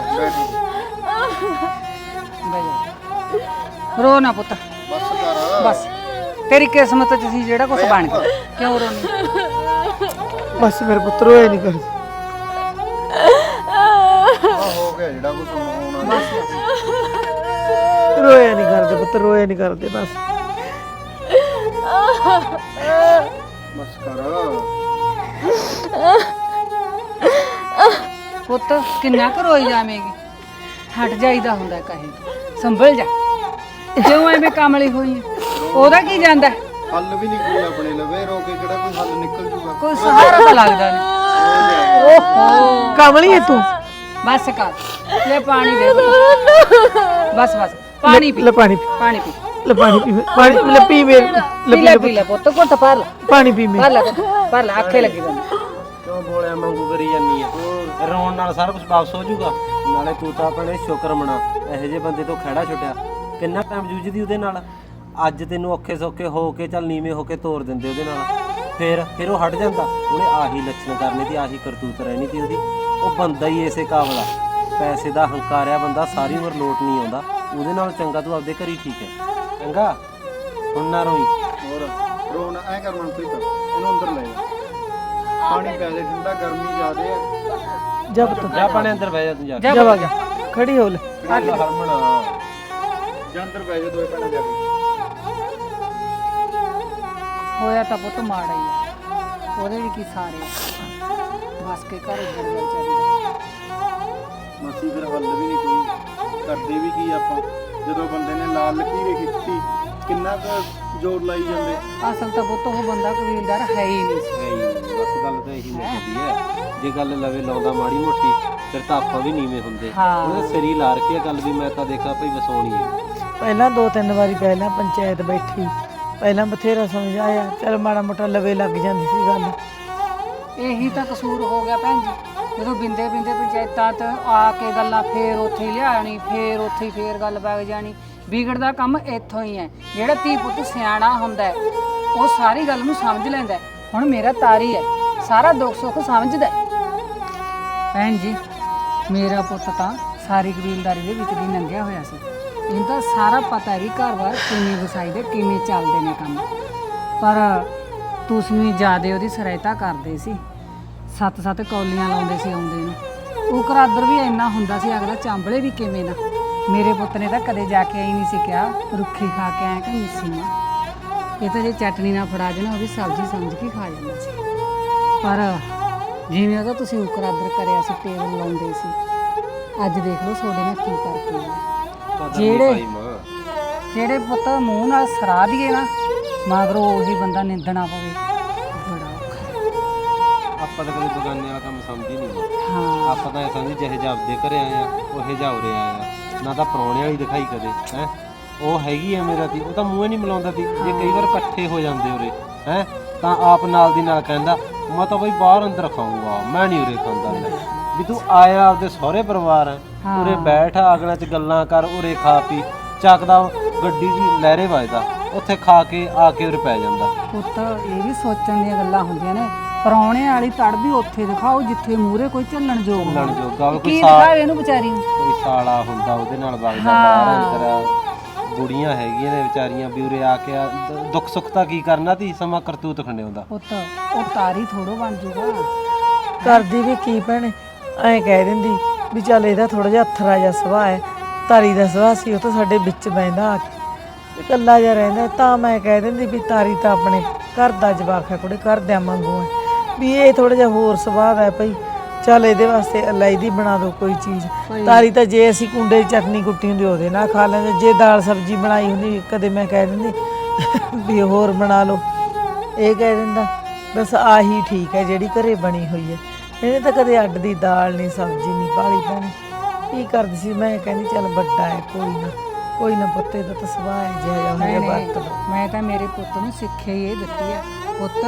ਰੋ ਨਾ ਪੁੱਤ,
ਬਸ ਕਰ।
ਬਸ ਤੇਰੀ ਕਿਸਮਤ 'ਚ ਸੀ ਜਿਹੜਾ ਕੁਝ ਬਣ ਗਿਆ, ਕਿਉਂ ਰੋਣੀ?
ਬਸ ਮੇਰੇ ਪੁੱਤ ਰੋਏ ਨਹੀਂ ਕਰ।
ਹੋ ਗਿਆ ਜਿਹੜਾ ਕੁਝ ਹੋਣਾ।
ਰੋਏ ਨਹੀਂ ਕਰਦੇ ਪੁੱਤ, ਰੋਏ ਨਹੀਂ ਕਰਦੇ। ਬਸ
ਬਸ ਕਰ।
ਪੁੱਤ ਕਿੰਨਾ ਕੁ ਰੋਈ ਜਾਵੇਂਗੀ? ਹਟ ਜਾਈਦਾ ਹੁੰਦਾ ਕਹੇ, ਸੰਭਲ ਜਾ। ਜਿਉਂ ਐਵੇਂ ਕਮਲੀ ਹੋਈ ਹੈ, ਉਹਦਾ ਕੀ ਜਾਂਦਾ?
ਹੱਲ ਵੀ ਨਹੀਂ ਕੋਈ ਆਪਣੇ ਲਵੇ, ਰੋ ਕੇ ਕਿਹੜਾ ਕੋਈ ਹੱਲ ਨਿਕਲ ਜੂਗਾ?
ਕੋਈ ਸਹਾਰਾ ਤਾਂ ਲੱਗਦਾ ਨਹੀਂ।
ਓਹੋ ਕਮਲੀ ਹੈ ਤੂੰ।
ਬਸ ਕਰ ਲੈ ਪਾਣੀ ਦੇ ਪੁੱਤ। ਬਸ ਬਸ ਪਾਣੀ ਪੀ
ਲੈ ਪਾਣੀ ਪੀ
ਪਾਣੀ ਪੀ
ਲੈ ਪਾਣੀ ਪੀ ਪਾਣੀ ਲੈ ਪੀ ਮੇਰੇ
ਪੀ ਲੈ ਪੁੱਤ ਘੁੱਟ ਭਰ ਲੈ
ਪਾਣੀ ਪੀ ਮੇਰੇ
ਭਰ ਲੈ ਪੁੱਤ, ਭਰ ਲੈ ਅੱਖੇ ਲੱਗੀ ਜਾਂਦੀ
ਕਿਉਂ ਬੋਲਿਆ ਮੰਗੂ ਕਰੀ ਜਾਨੀ ਆ ਰੋਣ ਨਾਲ ਸਾਰਾ ਕੁਝ ਵਾਪਸ ਹੋ ਜਾਊਗਾ। ਨਾਲੇ ਤੂੰ ਤਾਂ ਆਪਣੇ ਸ਼ੁਕਰ ਮਨਾ ਇਹੋ ਜਿਹੇ ਬੰਦੇ ਤੋਂ ਖਹਿੜਾ ਛੁੱਟਿਆ। ਕਿੰਨਾ ਟਾਈਮ ਜੂਝਦੀ ਉਹਦੇ ਨਾਲ। ਅੱਜ ਤੈਨੂੰ ਔਖੇ ਸੌਖੇ ਹੋ ਕੇ ਚੱਲ ਨੀਵੇਂ ਹੋ ਕੇ ਤੋਰ ਦਿੰਦੇ ਉਹਦੇ ਨਾਲ, ਫਿਰ ਉਹ ਹਟ ਜਾਂਦਾ। ਉਹਨੇ ਆਹੀ ਲੱਛਣ ਕਰਨੇ ਤੇ ਆਹੀ ਕਰਤੂਤ ਰਹਿਣੀ ਤੀ ਉਹਦੀ। ਉਹ ਬੰਦਾ ਹੀ ਇਸੇ ਕਾਬਲ ਆ। ਪੈਸੇ ਦਾ ਹੰਕਾਰਿਆ ਬੰਦਾ ਸਾਰੀ ਉਮਰ ਲੋਟ ਨਹੀਂ ਆਉਂਦਾ। ਉਹਦੇ ਨਾਲ ਚੰਗਾ ਤੂੰ ਆਪਦੇ ਘਰ ਹੀ ਠੀਕ ਹੈ। ਚੰਗਾ ਹੁਣ ਨਾ ਰੋਈ।
ਹੋਰ ਰੋਣ ਐ ਕਰ ਮਨਪ੍ਰੀਤ, ਇਹਨੂੰ ਅੰਦਰ ਲੈ ਜਾ, ਪਾਣੀ ਪੈ ਦੇ ਠੰਡਾ, ਗਰਮੀ ਜ਼ਿਆਦੇ ਆ।
ਜਾ ਪੁੱਤ
ਜਾ ਪਾਣੀ ਅੰਦਰ ਬਹਿ ਜਾ ਤੂੰ ਜਾ
ਜਾ ਆ ਗਿਆ ਖੜੀ ਹੋ ਲੈ
ਹਰਮਣਾ
ਜਾਂ ਅੰਦਰ ਬਹਿ ਜਾ ਦੋਏ ਭੈਣਾਂ ਜਾ ਕੇ।
ਹੋਇਆ ਤਾਂ ਪੁੱਤ ਮਾੜਾ ਹੀ ਆ, ਉਹਦੇ ਵੀ ਕੀ ਸਾਰੇ ਬਸ ਕੇ ਘਰ ਉੱਜੜ ਗਿਆ ਵਿਚਾਰੀ ਦਾ।
ਮਾਸੀ ਫਿਰ ਹੱਲ ਵੀ ਨਹੀਂ ਕੋਈ, ਕਰਦੇ ਵੀ ਕੀ ਆਪਾਂ ਜਦੋਂ ਬੰਦੇ ਨੇ ਲਾਲ ਲਕੀਰੇ ਖਿੱਚੀ, ਕਿੰਨਾ ਕੁ ਜ਼ੋਰ ਲਾਈ ਜਾਂਦੇ।
ਅਸਲ ਤਾਂ ਪੁੱਤ ਉਹ ਬੰਦਾ ਕਬੀਲਦਾਰ ਹੈ ਹੀ ਨਹੀਂ ਸੀ।
ਬਸ ਗੱਲ ਤਾਂ ਇਹੀ ਮੁੱਕਦੀ ਹੈ। ਜੇ ਗੱਲ ਲਵੇ ਲਾਉਂਦਾ ਮਾੜੀ ਮੋਟੀ ਫਿਰ ਤਾਂ ਆਪਾਂ ਵੀ ਨੀਵੇਂ ਹੁੰਦੇ।
ਹਾਂ।
ਉਹਨੇ ਸਿਰੀ ਲਾ ਰੱਖੀ ਆ ਗੱਲ ਵੀ ਮੈਂ ਤਾਂ ਦੇਖਾ ਭਈ ਵਸਾਉਣੀ ਹੈ।
ਪਹਿਲਾਂ 2-3 ਵਾਰੀ ਪਹਿਲਾਂ ਪੰਚਾਇਤ ਬੈਠੀ, ਪਹਿਲਾਂ ਬਥੇਰਾ ਸਮਝਾਇਆ, ਚਲ ਮਾੜਾ ਮੋਟਾ ਲਵੇ ਲੱਗ ਜਾਂਦੀ ਸੀ ਗੱਲ।
ਇਹੀ ਤਾਂ ਕਸੂਰ ਹੋ ਗਿਆ ਭੈਣ ਜੀ। ਜਦੋਂ ਬਿੰਦੇ ਬਿੰਦੇ ਪੰਚਾਇਤਾਂ 'ਚ ਆ ਕੇ ਗੱਲਾਂ ਫੇਰ ਉੱਥੇ ਹੀ ਲਿਆਣੀ, ਫੇਰ ਉੱਥੇ ਹੀ ਫੇਰ ਗੱਲ ਵਗ ਜਾਣੀ। ਵਿਗੜਦਾ ਕੰਮ ਇੱਥੋਂ ਹੀ ਹੈ। ਜਿਹੜਾ ਧੀ ਪੁੱਤ ਸਿਆਣਾ ਹੁੰਦਾ ਹੈ ਉਹ ਸਾਰੀ ਗੱਲ ਨੂੰ ਸਮਝ ਲੈਂਦਾ ਹੈ। ਹੁਣ ਮੇਰਾ ਤਾਰੀ ਹੈ, ਸਾਰਾ ਦੁੱਖ ਸੁੱਖ ਸਮਝਦਾ ਹੈ। ਭੈਣ ਜੀ ਮੇਰਾ ਪੁੱਤ ਤਾਂ ਸਾਰੀ ਕਬੀਲਦਾਰੀ ਦੇ ਵਿੱਚ ਦੀ ਲੰਘਿਆ ਹੋਇਆ ਸੀ। ਇਹਨੂੰ ਤਾਂ ਸਾਰਾ ਪਤਾ ਹੈ ਵੀ ਘਰ-ਬਾਰ ਕਿਵੇਂ ਵਸਾਈਦੇ, ਕਿਵੇਂ ਚੱਲਦੇ ਨੇ ਕੰਮ। ਪਰ ਤੁਸੀਂ ਵੀ ਜ਼ਿਆਦਾ ਉਹਦੀ ਸਹਾਇਤਾ ਕਰਦੇ ਸੀ। 7-7 ਕੌਲੀਆਂ ਲਾਉਂਦੇ ਸੀ ਆਉਂਦੇ ਨੂੰ। ਉਹ ਕਰਾਦਰ ਵੀ ਇੰਨਾ ਹੁੰਦਾ ਸੀ, ਅਗਲਾ ਚਾਂਬਲੇ ਵੀ ਕਿਵੇਂ ਨਾ। ਮੇਰੇ ਪੁੱਤ ਨੇ ਤਾਂ ਕਦੇ ਜਾ ਕੇ ਆਈ ਨਹੀਂ ਸੀ ਕਿਹਾ ਰੁੱਖੀ ਖਾ ਕੇ ਆਇਆ ਕਿ ਮਿੱਸੀ ਮਾਂ। ਇਹ ਤਾਂ ਜੇ ਚਟਨੀ ਨਾਲ ਫੜਾ ਦੇਣਾ ਉਹ ਵੀ ਸਬਜ਼ੀ ਸਮਝ ਕੇ ਖਾ ਜਾਂਦਾ ਸੀ। ਪਰ ਜਿਵੇਂ ਉਹਦਾ ਤੁਸੀਂ ਉਕਰਾਦਰ ਕਰਿਆ ਸੀ, ਟੇਬਲ ਲਾਉਂਦੇ ਸੀ, ਅੱਜ ਦੇਖ ਲਓ ਤੁਹਾਡੇ ਨਾਲ ਕੀ ਕਰਕੇ ਆਇਆ। ਜਿਹੜੇ ਪੁੱਤ ਮੂੰਹ ਨਾਲ ਸਰਾ ਦੀਏ ਨਾ ਮਗਰੋਂ ਉਹੀ ਬੰਦਾ ਨਿੰਦਣਾ ਪਵੇ, ਬੜਾ ਔਖਾ।
ਆਪਾਂ ਤਾਂ ਕਦੇ ਬਗਾਨੇ ਵਾਲਾ ਕੰਮ ਸਮਝ ਹੀ ਨਹੀਂ।
ਹਾਂ
ਆਪਾਂ ਤਾਂ ਇਹ ਸਮਝੀ ਜਿਹੇ ਜਾਪਦੇ ਘਰੇ ਆਏ ਆ ਉਹੇ ਜਾ ਉਰੇ ਆਏ ਆ। ਨਾ ਤਾਂ ਪ੍ਰਾਹੁਣੇ ਵਾਲੀ ਦਿਖਾਈ ਕਦੇ ਹੈ। ਉਹ ਹੈਗੀ ਐ ਮੇਰਾ ਤੀ, ਉਹ ਤਾਂ ਮੂੰਹ ਹੀ ਨਹੀਂ ਮਿਲਾਉਂਦਾ ਤੀ। ਜੇ ਕਈ ਵਾਰ ਇਕੱਠੇ ਹੋ ਜਾਂਦੇ ਉਰੇ ਹੈ ਤਾਂ ਆਪ ਨਾਲ ਦੀ ਨਾਲ ਕਹਿੰਦਾ ਮੈਂ ਤਾਂ ਬਈ ਬਾਹਰ ਅੰਦਰ ਖਾਊਂਗਾ, ਮੈਂ ਨਹੀਂ ਉਰੇ ਖਾਂਦਾ। ਲੈ ਵੀ ਤੂੰ ਆਇਆ ਆਪਦੇ ਸਹੁਰੇ ਪਰਿਵਾਰ ਹੈ, ਉਰੇ ਬੈਠ ਅਗਲਾਂ 'ਚ ਗੱਲਾਂ ਕਰ, ਉਰੇ ਖਾ ਪੀ, ਚੱਕਦਾ ਗੱਡੀ ਜੀ ਲਹਿਰੇ ਵੱਜਦਾ, ਉੱਥੇ ਖਾ ਕੇ ਆ ਕੇ ਉਰੇ ਪੈ ਜਾਂਦਾ।
ਪੁੱਤ ਇਹ ਵੀ ਸੋਚਣ ਦੀਆਂ ਗੱਲਾਂ ਹੁੰਦੀਆਂ ਨੇ। ਪਰੌਣੇ ਵਾਲੀ ਤੜ ਵੀ ਉੱਥੇ ਦਿਖਾਓ ਜਿੱਥੇ ਮੂਹਰੇ ਕੋਈ ਝੱਲਣ ਯੋਗ ਹੋਵੇ।
ਚੱਲਣ ਜੋਗਾ
ਕੀ
ਕੋਈ
ਦਿਖਾਵੇ ਇਹਨੂੰ ਵਿਚਾਰੀ ਨੂੰ।
ਕੋਈ ਸਾਲਾ ਹੁੰਦਾ ਉਹਦੇ ਨਾਲ ਵਗਦਾ ਬਾਹਰ ਅੰਦਰ। ਬੁੜੀਆਂ ਹੈਗੀਆਂ ਨੇ ਵਿਚਾਰੀਆਂ ਵੀ ਉਰੇ ਆ ਕੇ ਦੁੱਖ ਸੁੱਖ ਤਾਂ ਕੀ ਕਰਨਾ ਤੀ, ਸਮਾਂ ਕਰਤੂਤ ਖੰਡਿਆਉਂਦਾ।
ਪੁੱਤ ਉਹ ਤਾਰੀ ਥੋੜੋ ਬਣ ਜੂਗਾ।
ਕਰਦੀ ਵੀ ਕੀ ਭੈਣੇ, ਐਂ ਕਹਿ ਦਿੰਦੀ ਵੀ ਚੱਲ ਇਹਦਾ ਥੋੜਾ ਜਿਹਾ ਅਥਰਾ ਜਿਹਾ ਸੁਭਾਅ ਹੈ, ਤਾਰੀ ਦਾ ਸੁਭਾਅ ਸੀ, ਉਹ ਤਾਂ ਸਾਡੇ ਵਿੱਚ ਬਹਿੰਦਾ ਆ ਕੇ ਇਕੱਲਾ ਜਿਹਾ ਰਹਿੰਦਾ। ਤਾਂ ਮੈਂ ਕਹਿ ਦਿੰਦੀ ਵੀ ਤਾਰੀ ਤਾਂ ਆਪਣੇ ਘਰ ਦਾ ਜਵਾਕ ਹੈ, ਕੁੜੇ ਘਰਦਿਆਂ ਵਾਂਗੂ ਹੈ, ਵੀ ਇਹ ਥੋੜਾ ਜਿਹਾ ਹੋਰ ਸੁਭਾਅ ਹੈ ਭਈ, ਚੱਲ ਇਹਦੇ ਵਾਸਤੇ ਇਲਾਇਦੀ ਬਣਾ ਦਿਓ ਕੋਈ ਚੀਜ਼। ਤਾਰੀ ਤਾਂ ਜੇ ਅਸੀਂ ਕੁੰਡੇ ਦੀ ਚਟਨੀ ਕੁੱਟੀ ਹੁੰਦੀ ਉਹਦੇ ਨਾਲ ਖਾ ਲੈਂਦੇ, ਜੇ ਦਾਲ ਸਬਜ਼ੀ ਬਣਾਈ ਹੁੰਦੀ ਕਦੇ ਮੈਂ ਕਹਿ ਦਿੰਦੀ ਵੀ ਹੋਰ ਬਣਾ ਲਓ, ਇਹ ਕਹਿ ਦਿੰਦਾ ਬਸ ਆਹੀ ਠੀਕ ਹੈ ਜਿਹੜੀ ਘਰੇ ਬਣੀ ਹੋਈ ਹੈ। ਇਹਨੇ ਤਾਂ ਕਦੇ ਅੱਡ ਦੀ ਦਾਲ ਨਹੀਂ ਸਬਜ਼ੀ ਨਹੀਂ ਪਾਲੀ ਭੈਣੇ। ਕੀ ਕਰਦੀ ਸੀ ਮੈਂ ਕਹਿੰਦੀ ਚੱਲ ਵੱਡਾ ਹੈ ਕੋਈ ਨਾ ਪੁੱਤੇ ਦਾ ਤਾਂ ਸੁਭਾਅ ਹੈ ਜਿਹਾ ਹੋਇਆ ਵਰਤ ਲਓ।
ਮੈਂ ਤਾਂ ਮੇਰੇ ਪੁੱਤ ਨੂੰ ਸਿੱਖਿਆ ਹੀ ਇਹ ਦਿੱਤੀ ਹੈ, ਪੁੱਤ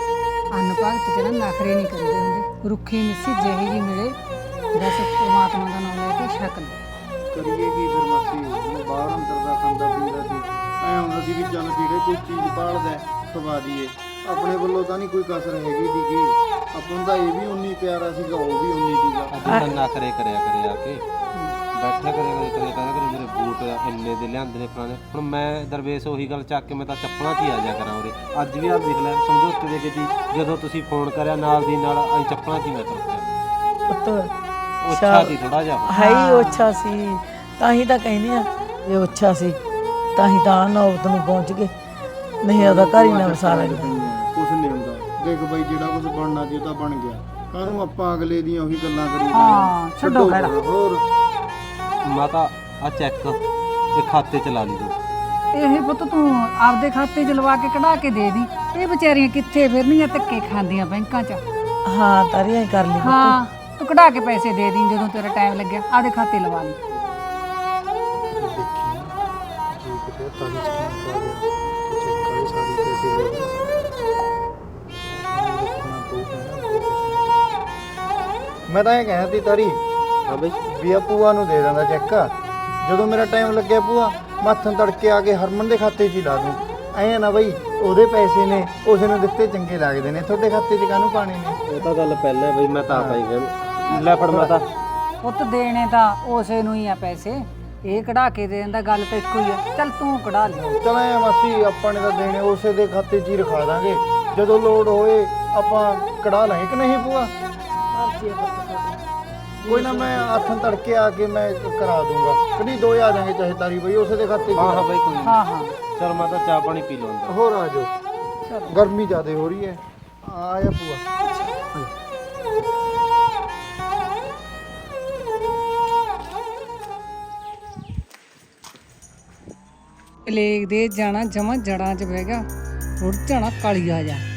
ਅੰਨ ਭਗਤ ਚ ਨਾ ਨਖਰੇ ਨਹੀਂ ਕਰੀਦੇ ਹੁੰਦੇ। ਰੁੱਖੀ ਮਿੱਸੀ ਜਿਹੀ ਜੀ ਮਿਲੇ ਬਸ ਪਰਮਾਤਮਾ ਦਾ ਨਾਮ ਲੈ ਕੇ ਛਕ ਲਓ।
ਕਰੀਏ ਕੀ ਫਿਰ ਮਾਸੀ, ਹੁਣ ਬਾਹਰ ਅੰਦਰ ਦਾ ਖਾਂਦਾ ਪੀਂਦਾ ਸੀ, ਐ ਹੁੰਦਾ ਸੀ ਵੀ ਚੱਲ ਜਿਹੜੇ ਕੋਈ ਚੀਜ਼ ਭਾਲਦਾ ਖਵਾ ਦਈਏ। ਆਪਣੇ ਵੱਲੋਂ ਤਾਂ ਨਹੀਂ ਕੋਈ ਕਸਰ ਹੈਗੀ ਸੀਗੀ, ਆਪਾਂ ਨੂੰ ਤਾਂ ਇਹ ਵੀ ਉਨੀ ਪਿਆਰਾ ਸੀਗਾ, ਉਹ ਵੀ ਉਨੀ ਸੀਗਾ।
ਅੱਜ ਨਖਰੇ ਕਰਿਆ ਕਰੇ ਆ ਕੇ ਬੈਠਾ ਕਰੇ ਮੇਰੇ ਬੂਟ ਇੰਨੇ ਦੇ ਲਿਆਂਦੇ ਨੇ ਪੁਰਾਣੇ। ਹੁਣ ਮੈਂ ਦਰਵੇਸ਼ ਉਹੀ ਗੱਲ ਚੱਕ ਕੇ ਮੈਂ ਤਾਂ ਚੱਪਲਾਂ 'ਚ ਹੀ ਆ ਜਾ ਕਰਾਂ ਉਰੇ। ਅੱਜ ਵੀ ਆ ਦੇਖ ਲੈ ਸਮਝੌਤੇ ਦੇ ਕੇ ਜੀ ਜਦੋਂ ਤੁਸੀਂ ਫੋਨ ਕਰਿਆ ਨਾਲ ਦੀ ਨਾਲ ਅਸੀਂ ਚੱਪਲਾਂ 'ਚ ਹੀ ਮੈਂ ਤੁਰ ਪਿਆ।
ਪੁੱਤ
ਉੱਚਾ ਸੀ ਥੋੜਾ ਜਿਹਾ,
ਹੈ ਹੀ ਉੱਚਾ ਸੀ, ਤਾਂ ਹੀ ਤਾਂ ਕਹਿੰਦੇ ਆ ਇਹ ਉੱਚਾ ਸੀ ਤਾਂ ਹੀ ਤਾਂ ਨੌਬਤ ਨੂੰ ਪਹੁੰਚ ਗਏ, ਨਹੀਂ ਉਹਦਾ ਘਰ ਹੀ ਨਾ ਵਸਾਰਾ
ਕੁਛ ਨਹੀਂ ਹੁੰਦਾ। ਦੇਖ ਬਾਈ ਜਿਹੜਾ ਕੁਝ ਬਣਨਾ ਸੀ ਉਹ ਤਾਂ ਬਣ ਗਿਆ, ਕਾਹਨੂੰ ਆਪਾਂ ਅਗਲੇ ਦੀਆਂ ਉਹੀ ਗੱਲਾਂ ਕਰੀ
ਹਾਂ ਛੱਡੋ ਖੜਾ।
ਹੋਰ
ਮਾਤਾ ਆ ਚੈੱਕ ਇਹ ਖਾਤੇ 'ਚ ਲਾ ਲਈ ਤੂੰ।
ਇਹ ਪੁੱਤ ਤੂੰ ਆਪਦੇ ਖਾਤੇ 'ਚ ਲਵਾ ਕੇ ਕਢਾ ਕੇ ਦੇ ਦੀ। ਇਹ ਵਿਚਾਰੀਆਂ ਕਿੱਥੇ ਫਿਰਨੀਆਂ ਧੱਕੇ ਖਾਂਦੀਆਂ ਬੈਂਕਾਂ 'ਚ।
ਹਾਂ ਤਾਰੀ ਐ ਕਰ ਲਈ
ਹਾਂ ਤੂੰ ਕਢਾ ਕੇ ਪੈਸੇ ਦੇ ਦੀ ਜਦੋਂ ਤੇਰਾ ਟਾਈਮ ਲੱਗਿਆ ਆਦੇ ਖਾਤੇ ਲਵਾ ਲਈ।
ਜੀ ਕਿਤੇ ਤਾਰੀ ਸਕੀਮ ਪਾ ਗਿਆ ਤੇ ਚੈੱਕ ਕਰੇ ਸਾਰੇ ਪੈਸੇ ਲੈ ਗਏ। ਮੈਂ ਤਾਂ ਇਹ ਕਹਿਆ ਤੀ ਤਾਰੀ
ਹਾਂ ਬਈ
ਵੀ ਆ ਭੂਆ ਨੂੰ ਦੇ ਦਿੰਦਾ ਚੈੱਕ, ਜਦੋਂ ਮੇਰਾ ਟਾਈਮ ਲੱਗਿਆ ਭੂਆ ਮੱਥਨ ਤੜਕੇ ਆ ਕੇ ਹਰਮਨ ਦੇ ਖਾਤੇ 'ਚ ਹੀ ਲਾ ਦੂੰ। ਐਂ ਨਾ ਬਈ ਉਹਦੇ ਪੈਸੇ ਨੇ ਉਸ ਨੂੰ ਦਿੱਤੇ ਚੰਗੇ ਲੱਗਦੇ ਨੇ, ਤੁਹਾਡੇ ਖਾਤੇ 'ਚ ਕਾਹਨੂੰ ਪਾਣੇ ਨੇ?
ਇਹ ਤਾਂ ਗੱਲ ਪਹਿਲਾਂ ਬਈ ਮੈਂ ਤਾਂ ਆਪ ਹੀ ਗਿਆ ਲੈ ਫੜ ਮਾਤਾ।
ਪੁੱਤ ਦੇਣੇ ਤਾਂ ਉਸੇ ਨੂੰ ਹੀ ਆ ਪੈਸੇ, ਇਹ ਕਢਾ ਕੇ ਦੇ ਦਿੰਦਾ, ਗੱਲ ਤਾਂ ਇੱਕੋ ਹੀ ਆ। ਚੱਲ ਤੂੰ ਕਢਾ ਲਿਆ।
ਚਲ ਐ ਮਾਸੀ ਆਪਾਂ ਨੇ ਤਾਂ ਦੇਣੇ ਉਸੇ ਦੇ ਖਾਤੇ 'ਚ ਹੀ ਰਖਾ ਦਾਂਗੇ, ਜਦੋਂ ਲੋੜ ਹੋਏ ਆਪਾਂ ਕਢਾ ਲਾਂਗੇ ਕਿ ਨਹੀਂ ਭੂਆ? ਕੋਈ ਨਾ ਮੈਂ ਹੱਥਾਂ ਤੜਕੇ ਆ ਕੇ ਮੈਂ ਕਰਾ ਦੂੰਗਾ, ਕਦੀ ਦੋ ਆ ਜਾਾਂਗੇ ਚਾਹੇ ਤਾਰੀ ਬਈ ਉਸੇ ਦੇ ਖਾਤੇ 'ਚ।
ਹਾਂ ਹਾਂ ਬਈ ਕੋਈ ਨਹੀਂ।
ਹਾਂ ਹਾਂ
ਚਲ ਮਾਤਾ ਚਾਹ ਪਾਣੀ ਪੀ ਲਓ ਅੰਦਰ।
ਹੋਰ ਆ ਜਾਓ, ਗਰਮੀ ਜ਼ਿਆਦਾ ਹੋ ਰਹੀ ਹੈ। ਆ ਜਾ ਭੂਆ।
ਪਲੇਗ ਦੇ ਜਾਣਾ ਜਮਾ ਜੜਾਂ 'ਚ ਬਹਿ ਗਿਆ, ਰੁੜ ਜਾਣਾ ਕਾਲੀਆ ਜਾ।